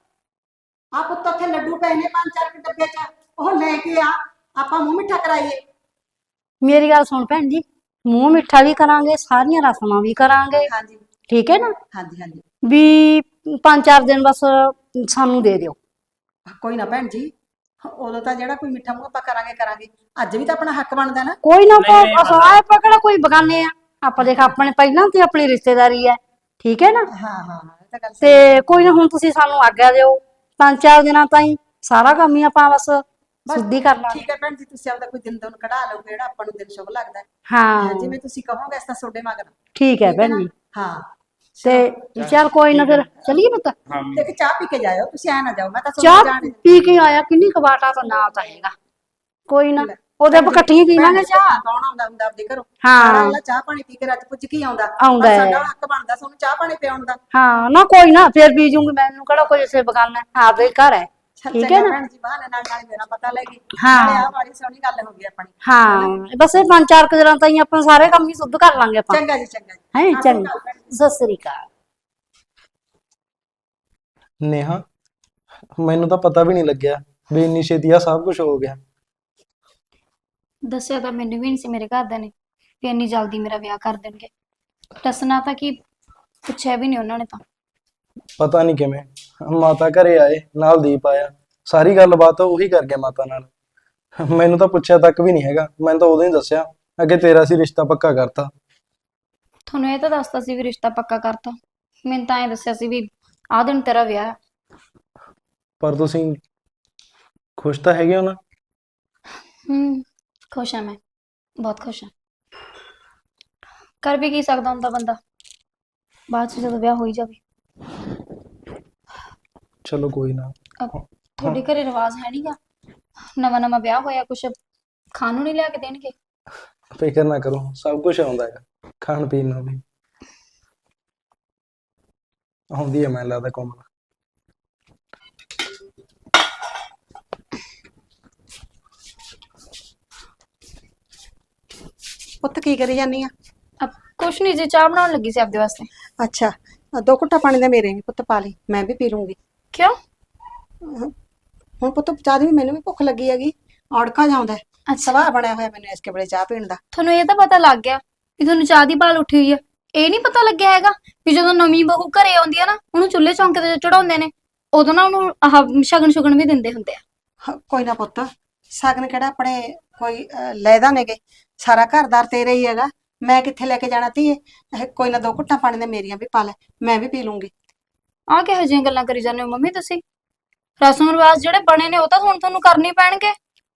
S2: ਆ ਪੁੱਤ ਉੱਥੇ ਲੱਡੂ ਪਏ ਨੇ ਪੰਜ ਚਾਰ ਕੁ ਡੱਬੇ ਚ ਉਹ ਲੈ ਕੇ ਆ ਆਪਾਂ ਮੂੰਹ ਮਿੱਠਾ ਕਰਾਈਏ
S5: ਮੇਰੀ ਗੱਲ ਸੁਣ ਭੈਣ ਜੀ, ਮੂੰਹ ਮਿੱਠਾ ਵੀ ਕਰਾਂਗੇ, ਸਾਰੀਆਂ ਰਸਮਾਂ ਵੀ ਕਰਾਂਗੇ,
S2: ਹਾਂਜੀ
S5: ਠੀਕ ਹੈ ਨਾ?
S2: ਹਾਂਜੀ ਹਾਂਜੀ
S5: ਵੀ ਪੰਜ ਚਾਰ ਦਿਨ ਬਸ ਸਾਨੂੰ ਦੇ ਦਿਓ।
S2: ਕੋਈ ਨਾ ਭੈਣ ਜੀ ਉਦੋਂ ਤਾਂ ਜਿਹੜਾ ਕੋਈ ਮਿੱਠਾ ਮੂੰਹ ਆਪਾਂ ਕਰਾਂਗੇ ਕਰਾਂਗੇ ਅੱਜ ਵੀ ਤਾਂ ਆਪਣਾ ਹੱਕ ਬਣਦਾ ਨਾ
S5: ਕੋਈ ਨਾ
S4: ਨਹੀਂ, ਨਹੀਂ,
S5: ਆਪਾਂ ਆਏ ਪਕੜਾ ਕੋਈ ਬਗਾਨੇ ਆ, ਆਪਾਂ ਦੇਖ ਆਪਣੇ ਪਹਿਲਾਂ ਤੇ ਆਪਣੀ ਰਿਸ਼ਤੇਦਾਰੀ ਹੈ, ਠੀਕ ਹੈ ਨਾ?
S2: ਹਾਂ ਹਾਂ ਇਹ ਤਾਂ ਗੱਲ ਸਹੀ
S5: ਤੇ ਕੋਈ ਨਾ ਹੁਣ ਤੁਸੀਂ ਸਾਨੂੰ ਆਗਿਆ ਦਿਓ, ਪੰਜ ਚਾਰ ਦਿਨਾਂ ਤਾਈਂ ਸਾਰਾ ਕੰਮ ਹੀ ਆਪਾਂ ਬਸ ਸਿੱਧੀ ਕਰ ਲਾਂਗੇ।
S2: ਠੀਕ ਹੈ ਭੈਣ ਜੀ ਤੁਸੀਂ ਆਪਦਾ ਕੋਈ ਦਿਨ ਦਿਨ ਕਢਾ ਲਓ ਜਿਹੜਾ ਆਪਾਂ ਨੂੰ ਦਿਨ ਸ਼ੁਭ ਲੱਗਦਾ ਹੈ
S5: ਹਾਂ
S2: ਜਿਵੇਂ ਤੁਸੀਂ ਕਹੋਗੇ ਇਸ ਤਾਂ ਤੁਹਾਡੇ ਮਗਰ
S5: ਠੀਕ ਹੈ
S2: ਠੀਕ ਹੈ
S5: ਭੈਣ
S2: ਨਾ?
S5: ਜੀ।
S2: ਹਾਂ
S5: ਤੇ ਚੱਲ ਕੋਈ ਨਾ ਫਿਰ ਚੱਲੀਏ ਪੁੱਤ।
S4: ਹਾਂ
S2: ਇੱਕ ਚਾਹ ਪੀ ਕੇ ਜਾਇਓ ਤੁਸੀਂ ਐ ਨਾ ਜਾਓ ਮੈਂ ਤਾਂ
S5: ਚਾਹ
S2: ਤੁਹਾਨੂੰ ਜਾਣ
S5: ਪੀ ਕੇ ਆਇਆ ਕਿੰਨੀ ਕਬਾਟਾ ਤਾਂ ਨਾ ਤਾਂ ਹੈਗਾ ਕੋਈ ਨਾ ਉਹਦੇ ਆਪਾਂ ਇਕੱਠੀਆਂ ਪੀਵਾਂਗੇ ਚਾਹ।
S2: ਕੌਣ ਆਉਂਦਾ ਹੁੰਦਾ ਆਪਦੇ ਘਰੋਂ
S5: ਹਾਂ।
S2: ਸਾਰਾ ਅਗਲਾ ਚਾਹ ਪਾਣੀ ਪੀ ਕੇ ਰੱਜ ਪੁੱਜ ਕੇ ਹੀ ਆਉਂਦਾ
S5: ਆਉਂਦਾ
S2: ਪਰ
S5: ਹੈ।
S2: ਸਾਡਾ ਹੱਕ ਬਣਦਾ ਸਾਨੂੰ ਚਾਹ ਪਾਣੀ ਪਿਆਉਣ ਦਾ
S5: ਹਾਂ ਨਾ ਕੋਈ ਨਾ ਫਿਰ ਪੀ ਜੂੰਗੀ, ਮੈਨੂੰ ਕਿਹੜਾ ਕੋਈ ਇਸੇ ਬਗਾਨਾ ਹੈ, ਆਪਦੇ ਹੀ ਘਰ ਹੈ,
S2: ਚੱਲ
S5: ਠੀਕ ਹੈ
S2: ਚੰਗਾ
S5: ਨਾ?
S2: ਭੈਣ ਜੀ ਬਹਾਨੇ ਨਾਲ ਨਾਲ ਮੇਰਾ ਪਤਾ ਲੈ ਗਈ
S5: ਹਾਂ।
S2: ਨਾਲੇ ਆਹ ਵਾਲੀ ਸੋਹਣੀ ਗੱਲ ਹੋ ਗਈ ਆਪਣੀ
S5: ਹਾਂ ਬਸ ਇਹ ਪੰਜ ਚਾਰ ਕੁ ਦਿਨਾਂ ਤਾਈਂ ਆਪਾਂ ਸਾਰੇ ਕੰਮ ਹੀ ਸੁੱਧ ਕਰ ਲਾਂਗੇ ਆਪਾਂ।
S2: ਚੰਗਾ ਜੀ ਚੰਗਾ ਜੀ
S5: ਹੈ
S2: ਹਾਂ,
S5: ਚੰਗਾ,
S2: ਸਤਿ ਸ਼੍ਰੀ
S5: ਸਤਿ ਸ੍ਰੀ ਅਕਾਲ।
S1: ਨੇਹਾ ਮੈਨੂੰ ਤਾਂ ਪਤਾ ਵੀ ਨਹੀਂ ਲੱਗਿਆ ਵੀ ਇੰਨੀ ਛੇਤੀ ਆ ਸਭ ਕੁਝ ਹੋ ਗਿਆ।
S3: ਦੱਸਿਆ ਤਾਂ ਮੈਨੂੰ ਵੀ ਨਹੀਂ ਸੀ ਮੇਰੇ ਘਰਦਿਆਂ ਨੇ ਕਿ ਇੰਨੀ ਜਲਦੀ ਮੇਰਾ ਵਿਆਹ ਕਰ ਦੇਣਗੇ। ਦੱਸਣਾ ਤਾਂ ਕੀ, ਪੁੱਛਿਆ ਵੀ ਨਹੀਂ ਉਹਨਾਂ ਨੇ ਤਾਂ।
S1: ਪਤਾ ਨਹੀਂ ਕਿਵੇਂ ਮਾਤਾ ਘਰੇ ਆਏ ਨਾਲ ਦੀਪ ਆਇਆ, ਸਾਰੀ ਗੱਲਬਾਤ ਉਹੀ ਕਰ ਗਿਆ ਮਾਤਾ ਨਾਲ। ਮੈਨੂੰ ਤਾਂ ਪੁੱਛਿਆ ਤੱਕ ਵੀ ਨਹੀਂ ਹੈਗਾ, ਮੈਨੂੰ ਤਾਂ ਉਦੋਂ ਹੀ ਦੱਸਿਆ ਅੱਗੇ ਤੇਰਾ ਸੀ ਰਿਸ਼ਤਾ ਪੱਕਾ ਕਰਤਾ।
S3: ਤੁਹਾਨੂੰ ਇਹ ਤਾਂ ਦੱਸਤਾ ਸੀ ਵੀ ਰਿਸ਼ਤਾ ਪੱਕਾ ਕਰਤਾ, ਮੈਨੂੰ ਤਾਂ ਐਂ ਦੱਸਿਆ ਸੀ ਵੀ ਆਹ ਦਿਨ ਤੇਰਾ ਵਿਆਹ ਹੈ।
S1: ਪਰ ਤੁਸੀਂ ਖੁਸ਼ ਤਾਂ ਹੈਗੇ ਹੋ ਨਾ?
S3: ਹੂੰ ਖੁਸ਼ ਹਾਂ, ਮੈਂ ਬਹੁਤ ਖੁਸ਼ ਹਾਂ। ਕਰ ਵੀ ਕੀ ਸਕਦਾ ਹੁੰਦਾ ਬੰਦਾ, ਬਾਅਦ ਚ ਜਦੋਂ ਵਿਆਹ ਹੋ ਹੀ ਜਾਵੇ।
S1: ਚਲੋ ਕੋਈ ਨਾ।
S3: ਅਹ ਤੁਹਾਡੇ ਘਰੇ ਰਿਵਾਜ ਹੈ ਨਹੀਂਗਾ, ਨਵਾਂ ਨਵਾਂ ਵਿਆਹ ਹੋਇਆ ਕੁਛ ਖਾਣ ਨੂੰ ਨਹੀਂ ਲਿਆ ਕੇ ਦੇਣਗੇ?
S1: ਫਿਕਰ ਨਾ ਕਰੋ, ਸਭ ਕੁਝ ਆਉਂਦਾ ਹੈਗਾ ਖਾਣ ਪੀਣ ਨੂੰ ਵੀ ਆਉਂਦੀ ਹੈ ਮੈਨੂੰ ਲੱਗਦਾ ਕੋਮਲ।
S2: ਪੁੱਤ ਕੀ ਕਰੀ ਜਾਨੀ ਆ
S3: ਅਹ ਕੁਛ ਨਹੀਂ ਜੀ, ਚਾਹ ਬਣਾਉਣ ਲੱਗੀ ਸੀ ਆਪਦੇ ਵਾਸਤੇ।
S2: ਅੱਛਾ ਆਹ ਦੋ ਘੁੱਟਾ ਪਾਣੀ ਦਾ ਮੇਰੇ ਵੀ ਪੁੱਤ ਪਾ ਲਈ ਮੈਂ ਵੀ ਪੀ ਲੂੰਗੀ
S3: ਕਿਉਂ?
S2: ਹੁਣ ਪੁੱਤ ਚਾਹ ਦੀ ਵੀ ਮੈਨੂੰ ਵੀ ਭੁੱਖ ਲੱਗੀ ਹੈਗੀ ਔੜਕਾ ਜਾਂਦਾ
S3: ਅੱਛਾ
S2: ਸਵਾਹ ਬਣਿਆ ਹੋਇਆ ਮੈਨੂੰ ਇਸ ਕੇ ਵੇਲੇ ਚਾਹ ਪੀਣ ਦਾ
S3: ਤੁਹਾਨੂੰ ਇਹ ਤਾਂ ਪਤਾ ਲੱਗ ਗਿਆ ਵੀ ਤੁਹਾਨੂੰ ਚਾਹ ਦੀ ਭਾਲ ਉੱਠੀ ਹੋਈ ਹੈ। ਇਹ ਨਹੀਂ ਪਤਾ ਲੱਗਿਆ ਹੈਗਾ ਵੀ ਜਦੋਂ ਨਵੀਂ ਬਹੂ ਘਰੇ ਆਉਂਦੀ ਆ ਨਾ ਉਹਨੂੰ ਚੁੱਲ੍ਹੇ ਚੌਂਕੇ ਤੇ ਚੜਾਉਂਦੇ ਨੇ ਉਦੋਂ ਨਾ ਉਹਨੂੰ ਆਹ ਸ਼ਗਨ ਸ਼ੁਗਨ ਵੀ ਦਿੰਦੇ ਹੁੰਦੇ ਆ।
S2: ਹ- ਕੋਈ ਨਾ ਪੁੱਤ, ਸ਼ਗਨ ਕਿਹੜਾ ਆਪਣੇ ਕੋਈ ਅਹ, ਲੈਦਾ ਨੇਗੇ, ਸਾਰਾ ਘਰਦਾਰ ਤੇਰੇ ਹੀ ਹੈਗਾ। ਮੈਂ ਕਿੱਥੇ ਲੈ ਕੇ ਜਾਣਾ ਧੀਏ? ਇਹ ਕੋਈ ਨਾ ਦੋ ਘੁੱਟਾਂ ਪਾਣੀ ਦੇ ਮੇਰੀਆਂ ਵੀ ਪਾ ਲੈ, ਮੈਂ ਵੀ ਪੀ ਲੂੰਗੀ।
S3: ਆਹ ਕਿਹੋ ਜਿਹੀਆਂ ਗੱਲਾਂ ਕਰੀ ਜਾਂਦੇ ਹੋ ਮੰਮੀ ਤੁਸੀਂ? ਰਸਮ ਰਿਵਾਜ ਜਿਹੜੇ ਬਣੇ ਨੇ ਉਹ ਤਾਂ ਹੁਣ ਤੁਹਾਨੂੰ ਕਰਨੇ ਪੈਣਗੇ।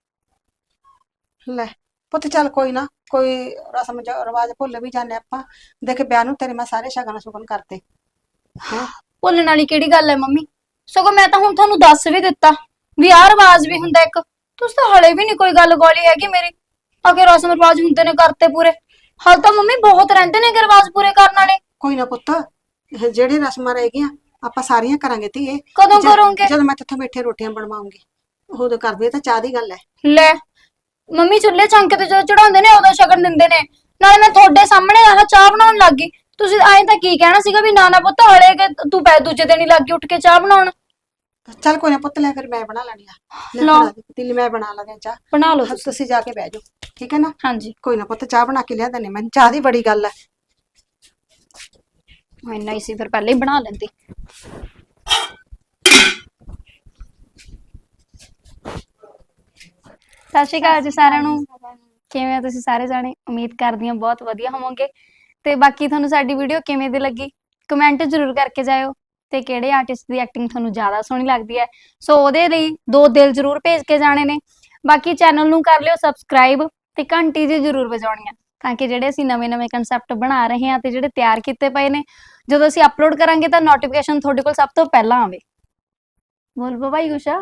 S2: ਲੈ ਪੁੱਤ ਚੱਲ ਕੋਈ ਨਾ, ਕੋਈ ਰਸਮ ਜ- ਰਿਵਾਜ ਭੁੱਲ ਵੀ ਜਾਂਦੇ ਆਪਾਂ। ਦੇਖ ਵਿਆਹ ਨੂੰ ਤੇਰੇ ਮੈਂ ਸਾਰੇ ਸ਼ਗਨ ਸ਼ੁਗਨ ਕਰਤੇ। ਹੈਂ
S3: ਭੁੱਲਣ ਵਾਲੀ ਕਿਹੜੀ ਗੱਲ ਹੈ ਮੰਮੀ? ਸਗੋਂ ਮੈਂ ਤਾਂ ਹੁਣ ਤੁਹਾਨੂੰ ਦੱਸ ਵੀ ਦਿੱਤਾ ਵੀ ਆਹ ਰਿਵਾਜ ਵੀ ਹੁੰਦਾ ਇੱਕ। ਤੁਸੀਂ ਤਾਂ ਹਲੇ ਵੀ ਨਹੀਂ ਕੋਈ ਗੱਲ ਗੋਲੀ ਹੈਗੀ ਮੇਰੀ। ਆਖੇ ਰਸਮ ਰਿਵਾਜ ਹੁੰਦੇ ਨੇ ਕਰਤੇ ਪੂਰੇ। ਹਾਲ ਤਾਂ ਮੰਮੀ ਬਹੁਤ ਰਹਿੰਦੇ ਨੇ ਰਿਵਾਜ ਪੂਰੇ ਕਰਨ ਵਾਲੇ।
S2: ਕੋਈ ਨਾ ਪੁੱਤ, ਇਹ ਜਿਹੜੇ ਰਸਮਾਂ ਰਹਿ ਗਈਆਂ ਆਪਾਂ ਸਾਰੀਆਂ ਕਰਾਂਗੇ ਧੀਏ।
S3: ਕਦੋਂ
S2: ਜਦ-
S3: ਕਰੋਗੇ?
S2: ਜਦੋਂ ਮੈਂ ਤੇਥੋਂ ਮਿੱਠੇ ਰੋਟੀਆਂ ਬਣਵਾਉਂਗੀ ਉਦੋਂ ਕਰਦੇ। ਤਾਂ ਚਾਹ ਦੀ ਗੱਲ ਹੈ।
S3: ਲੈ ਮੰਮੀ ਚੁੱਲ੍ਹੇ ਚੌਂਕੇ ਤੇ ਜਦੋਂ ਚੜਾਉਂਦੇ ਨੇ ਉਦੋਂ ਸ਼ਗਨ ਦਿੰਦੇ ਨੇ। ਨਾਲੇ ਮੈਂ ਤੁਹਾਡੇ ਸਾਹਮਣੇ ਆਹ ਚਾਹ ਬਣਾਉਣ ਲੱਗ ਗਈ। ਤੁਸੀਂ ਐਂ ਤਾਂ ਕੀ ਕਹਿਣਾ ਸੀਗਾ ਵੀ ਨਾ ਨਾ ਪੁੱਤ ਹਲੇ ਕਿ ਤੂੰ ਪੈ ਦੂਜੇ ਦਿਨ ਹੀ ਲੱਗ ਗਈ ਉੱਠ ਕੇ ਚਾਹ ਬਣਾਉਣ।
S2: ਚੱਲ ਕੋਈ ਨਾ ਪੁੱਤ, ਲੈ ਫਿਰ ਮੈਂ ਬਣਾ ਲੈਣੀ ਆ। ਲੈ
S3: ਲਓ।
S2: ਫੜਾ ਦੇ ਪਤੀਲੀ, ਮੈਂ ਬਣਾ ਲੈਂਦੀ ਹਾਂ ਚਾਹ।
S3: ਬਣਾ ਲਓ
S2: ਹਾਂ,
S3: ਤੁਸੀਂ।
S2: ਤੁਸੀਂ ਜਾ ਕੇ ਬਹਿ ਜਾਓ, ਠੀਕ ਹੈ ਨਾ?
S3: ਹਾਂਜੀ
S2: ਕੋਈ ਨਾ ਪੁੱਤ, ਚਾਹ ਬਣਾ ਕੇ ਲਿਆ ਦਨੇ। ਮੈਨੂੰ ਚਾਹ ਦੀ ਬੜੀ ਗੱਲ ਹੈ।
S3: ਇੰਨਾ ਹੀ ਸੀ ਫਿਰ ਪਹਿਲੇ ਹੀ ਬਣਾ ਲੈਂਦੀ। ਸਤਿ ਸ਼੍ਰੀ ਅਕਾਲ ਜੀ ਸਾਰਿਆਂ ਨੂੰ। ਕਿਵੇਂ ਹੋ ਤੁਸੀਂ ਸਾਰੇ ਜਾਣੇ? ਉਮੀਦ ਕਰਦੀ ਹਾਂ ਬਹੁਤ ਵਧੀਆ ਹੋਵੋਗੇ। ਤੇ ਬਾਕੀ ਤੁਹਾਨੂੰ ਸਾਡੀ ਵੀਡੀਓ ਕਿਵੇਂ ਦੀ ਲੱਗੀ ਕਮੈਂਟ ਜ਼ਰੂਰ ਕਰਕੇ ਜਾਇਓ। ਤੇ ਕਿਹੜੇ ਆਰਟਿਸਟ ਦੀ ਐਕਟਿੰਗ ਤੁਹਾਨੂੰ ਜ਼ਿਆਦਾ ਸੋਹਣੀ ਲੱਗਦੀ ਹੈ ਸੋ ਉਹਦੇ ਲਈ ਦੋ ਦਿਲ ਜ਼ਰੂਰ ਭੇਜ ਕੇ ਜਾਣੇ ਨੇ। ਬਾਕੀ ਚੈਨਲ ਨੂੰ ਕਰ ਲਿਓ ਸਬਸਕ੍ਰਾਈਬ ਤੇ ਘੰਟੀ ਜੀ ਜ਼ਰੂਰ ਵਜਾਉਣੀ ਆ ਤਾਂ ਕਿ ਜਿਹੜੇ ਅਸੀਂ ਨਵੇਂ-ਨਵੇਂ ਕਨਸੈਪਟ ਬਣਾ ਰਹੇ ਹਾਂ ਤੇ ਜਿਹੜੇ ਤਿਆਰ ਕੀਤੇ ਪਏ ਨੇ ਜਦੋਂ ਅਸੀਂ ਅਪਲੋਡ ਕਰਾਂਗੇ ਤਾਂ ਨੋਟੀਫਿਕੇਸ਼ਨ ਤੁਹਾਡੇ ਕੋਲ ਸਭ ਤੋਂ ਪਹਿਲਾਂ ਆਵੇ। ਬੋਲ ਪਾ ਭਾਈ ਕੁਛ।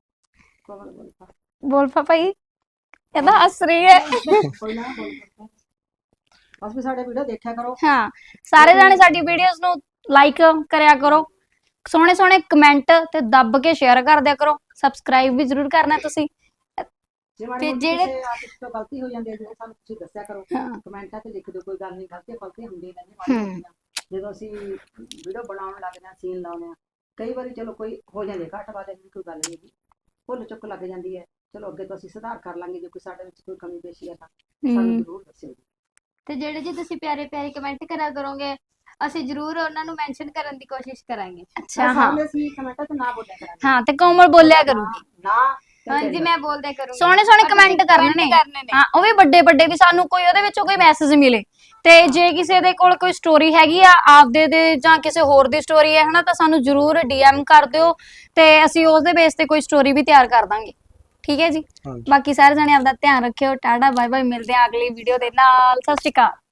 S3: ਬੋਲ ਪਾ ਭਾਈ। ਇਹਦਾ ਹੱਸ ਰਹੀ ਹੈ।
S2: ਕੋਈ ਨਾ ਬੋਲ ਪੁੱਤ। ਬਸ ਵੀ ਸਾਡੇ ਵੀਡੀਓ ਦੇਖਿਆ ਕਰੋ।
S3: ਹਾਂ ਸਾਰੇ ਜਾਣੇ ਸਾਡੀ ਵੀਡੀਓਜ਼ ਨੂੰ ਲਾਈਕ ਕਰਿਆ ਕਰੋ। ਸੋਹਣੇ ਸੋਹਣੇ ਕਮੈਂਟ ਤੇ ਦੱਬ ਕੇ ਸ਼ੇਅਰ ਕਰ ਦਿਆ ਕਰੋ। ਸਬਸਕ੍ਰਾਈਬ ਵੀ ਜ਼ਰੂਰ ਕਰਨਾ ਤੁਸੀਂ।
S2: ਜੇ ਮਾੜੀ
S3: ਤੇ
S2: ਮੋਟੀ
S3: ਜਿਹੜੇ-
S2: ਕਿਸੇ ਆਰਟਿਸਟ ਤੋਂ ਗਲਤੀ ਹੋ ਜਾਂਦੀ ਹੈ ਜਿਹੜੇ ਸਾਨੂੰ ਤੁਸੀਂ ਦੱਸਿਆ ਕਰੋ।
S3: ਹਾਂ।
S2: ਕਮੈਂਟਾਂ ਤੇ ਲਿਖ ਦਿਓ, ਕੋਈ ਗੱਲ ਨਹੀਂ, ਗਲਤੀਆਂ ਗਲਤੀਆਂ ਹੁੰਦੀਆਂ ਰਹਿੰਦੀਆਂ ਮਾੜੀ
S3: ਹੂੰ।
S2: ਮੋਟੀਆਂ। ਜਦੋਂ ਅਸੀਂ ਵੀਡੀਓ ਬਣਾਉਣ ਲੱਗਦੇ ਹਾਂ, ਸੀਨ ਲਾਉਂਦੇ ਹਾਂ, ਕਈ ਵਾਰੀ ਚਲੋ ਕੋਈ ਹੋ ਜਾਂਦੀ ਹੈ ਘੱਟ ਵਾਲੇ ਦੀ ਕੋਈ ਗੱਲ ਨਹੀਂ ਹੈਗੀ, ਭੁੱਲ ਚੁੱਕ ਲੱਗ ਜਾਂਦੀ ਹੈ। ਚਲੋ ਅੱਗੇ ਤੋਂ ਅਸੀਂ ਸੁਧਾਰ ਕਰ ਲਾਂਗੇ। ਜੇ ਕੋਈ ਸਾਡੇ ਵਿੱਚ ਕੋਈ ਕਮੀ ਪੇਸ਼ੀ ਹੈ ਤਾਂ ਸਾਨੂੰ
S3: ਹੂੰ।
S2: ਜ਼ਰੂਰ ਦੱਸਿਓ ਜੀ।
S3: ਤੇ ਜਿਹੜੇ ਜੀ ਤੁਸੀਂ ਪਿਆਰੇ ਪਿਆਰੇ ਕਮੈਂਟ ਕਰਿਆ ਕਰੋਗੇ ਅਸੀਂ ਜ਼ਰੂਰ ਉਹਨਾਂ ਨੂੰ ਮੈਂਸ਼ਨ ਕਰਨ ਦੀ ਕੋਸ਼ਿਸ਼ ਕਰਾਂਗੇ। ਅੱਛਾ ਹਾਂ
S2: ਸਾਹਮਣੇ ਅਸੀਂ ਕਮੈਂਟਾਂ ਤੇ ਨਾ ਬੋਲਿਆ ਕਰਾਂਗੇ।
S3: ਹਾਂ ਤੇ ਕੋਮਲ ਬੋਲਿਆ ਕਰੂਗੀ।
S2: ਨਾ ਤੇ
S3: ਹਾਂਜੀ
S2: ਤੇਰੇ
S3: ਮੈਂ ਬੋਲਦਿਆ ਕਰੂੰਗੀ। ਸੋਹਣੇ ਸੋਹਣੇ ਕਮੈਂਟ ਕਰਨੇ ਨੇ। ਹਾਂ ਉਹ ਵੀ ਵੱਡੇ ਵੱਡੇ ਵੀ ਸਾਨੂੰ ਕੋਈ ਉਹਦੇ ਵਿੱਚੋਂ ਕੋਈ ਮੈਸੇਜ ਮਿਲੇ। ਤੇ ਜੇ ਕਿਸੇ ਦੇ ਕੋਲ ਕੋਈ ਸਟੋਰੀ ਹੈਗੀ ਆ ਆਪਦੇ ਦੇ ਜਾਂ ਕਿਸੇ ਹੋਰ ਦੀ ਸਟੋਰੀ ਹੈ ਹਨਾ ਤਾਂ ਸਾਨੂੰ ਜ਼ਰੂਰ ਡੀਐਮ ਕਰ ਦਿਓ ਤੇ ਅਸੀਂ ਉਸ ਦੇ ਬੇਸ ਤੇ ਕੋਈ ਸਟੋਰੀ ਵੀ ਤਿਆਰ ਕਰ ਦਾਂਗੇ। ਠੀਕ ਹੈ ਜੀ।
S1: ਹਾਂਜੀ।
S3: ਬਾਕੀ ਸਾਰੇ ਜਣੇ ਆਪਦਾ ਧਿਆਨ ਰੱਖਿਓ। Tata bye bye. ਮਿਲਦੇ ਆ ਅਗਲੀ ਵੀਡੀਓ ਦੇ ਨਾਲ। ਸਤਿ ਸ਼੍ਰੀ ਅਕਾਲ।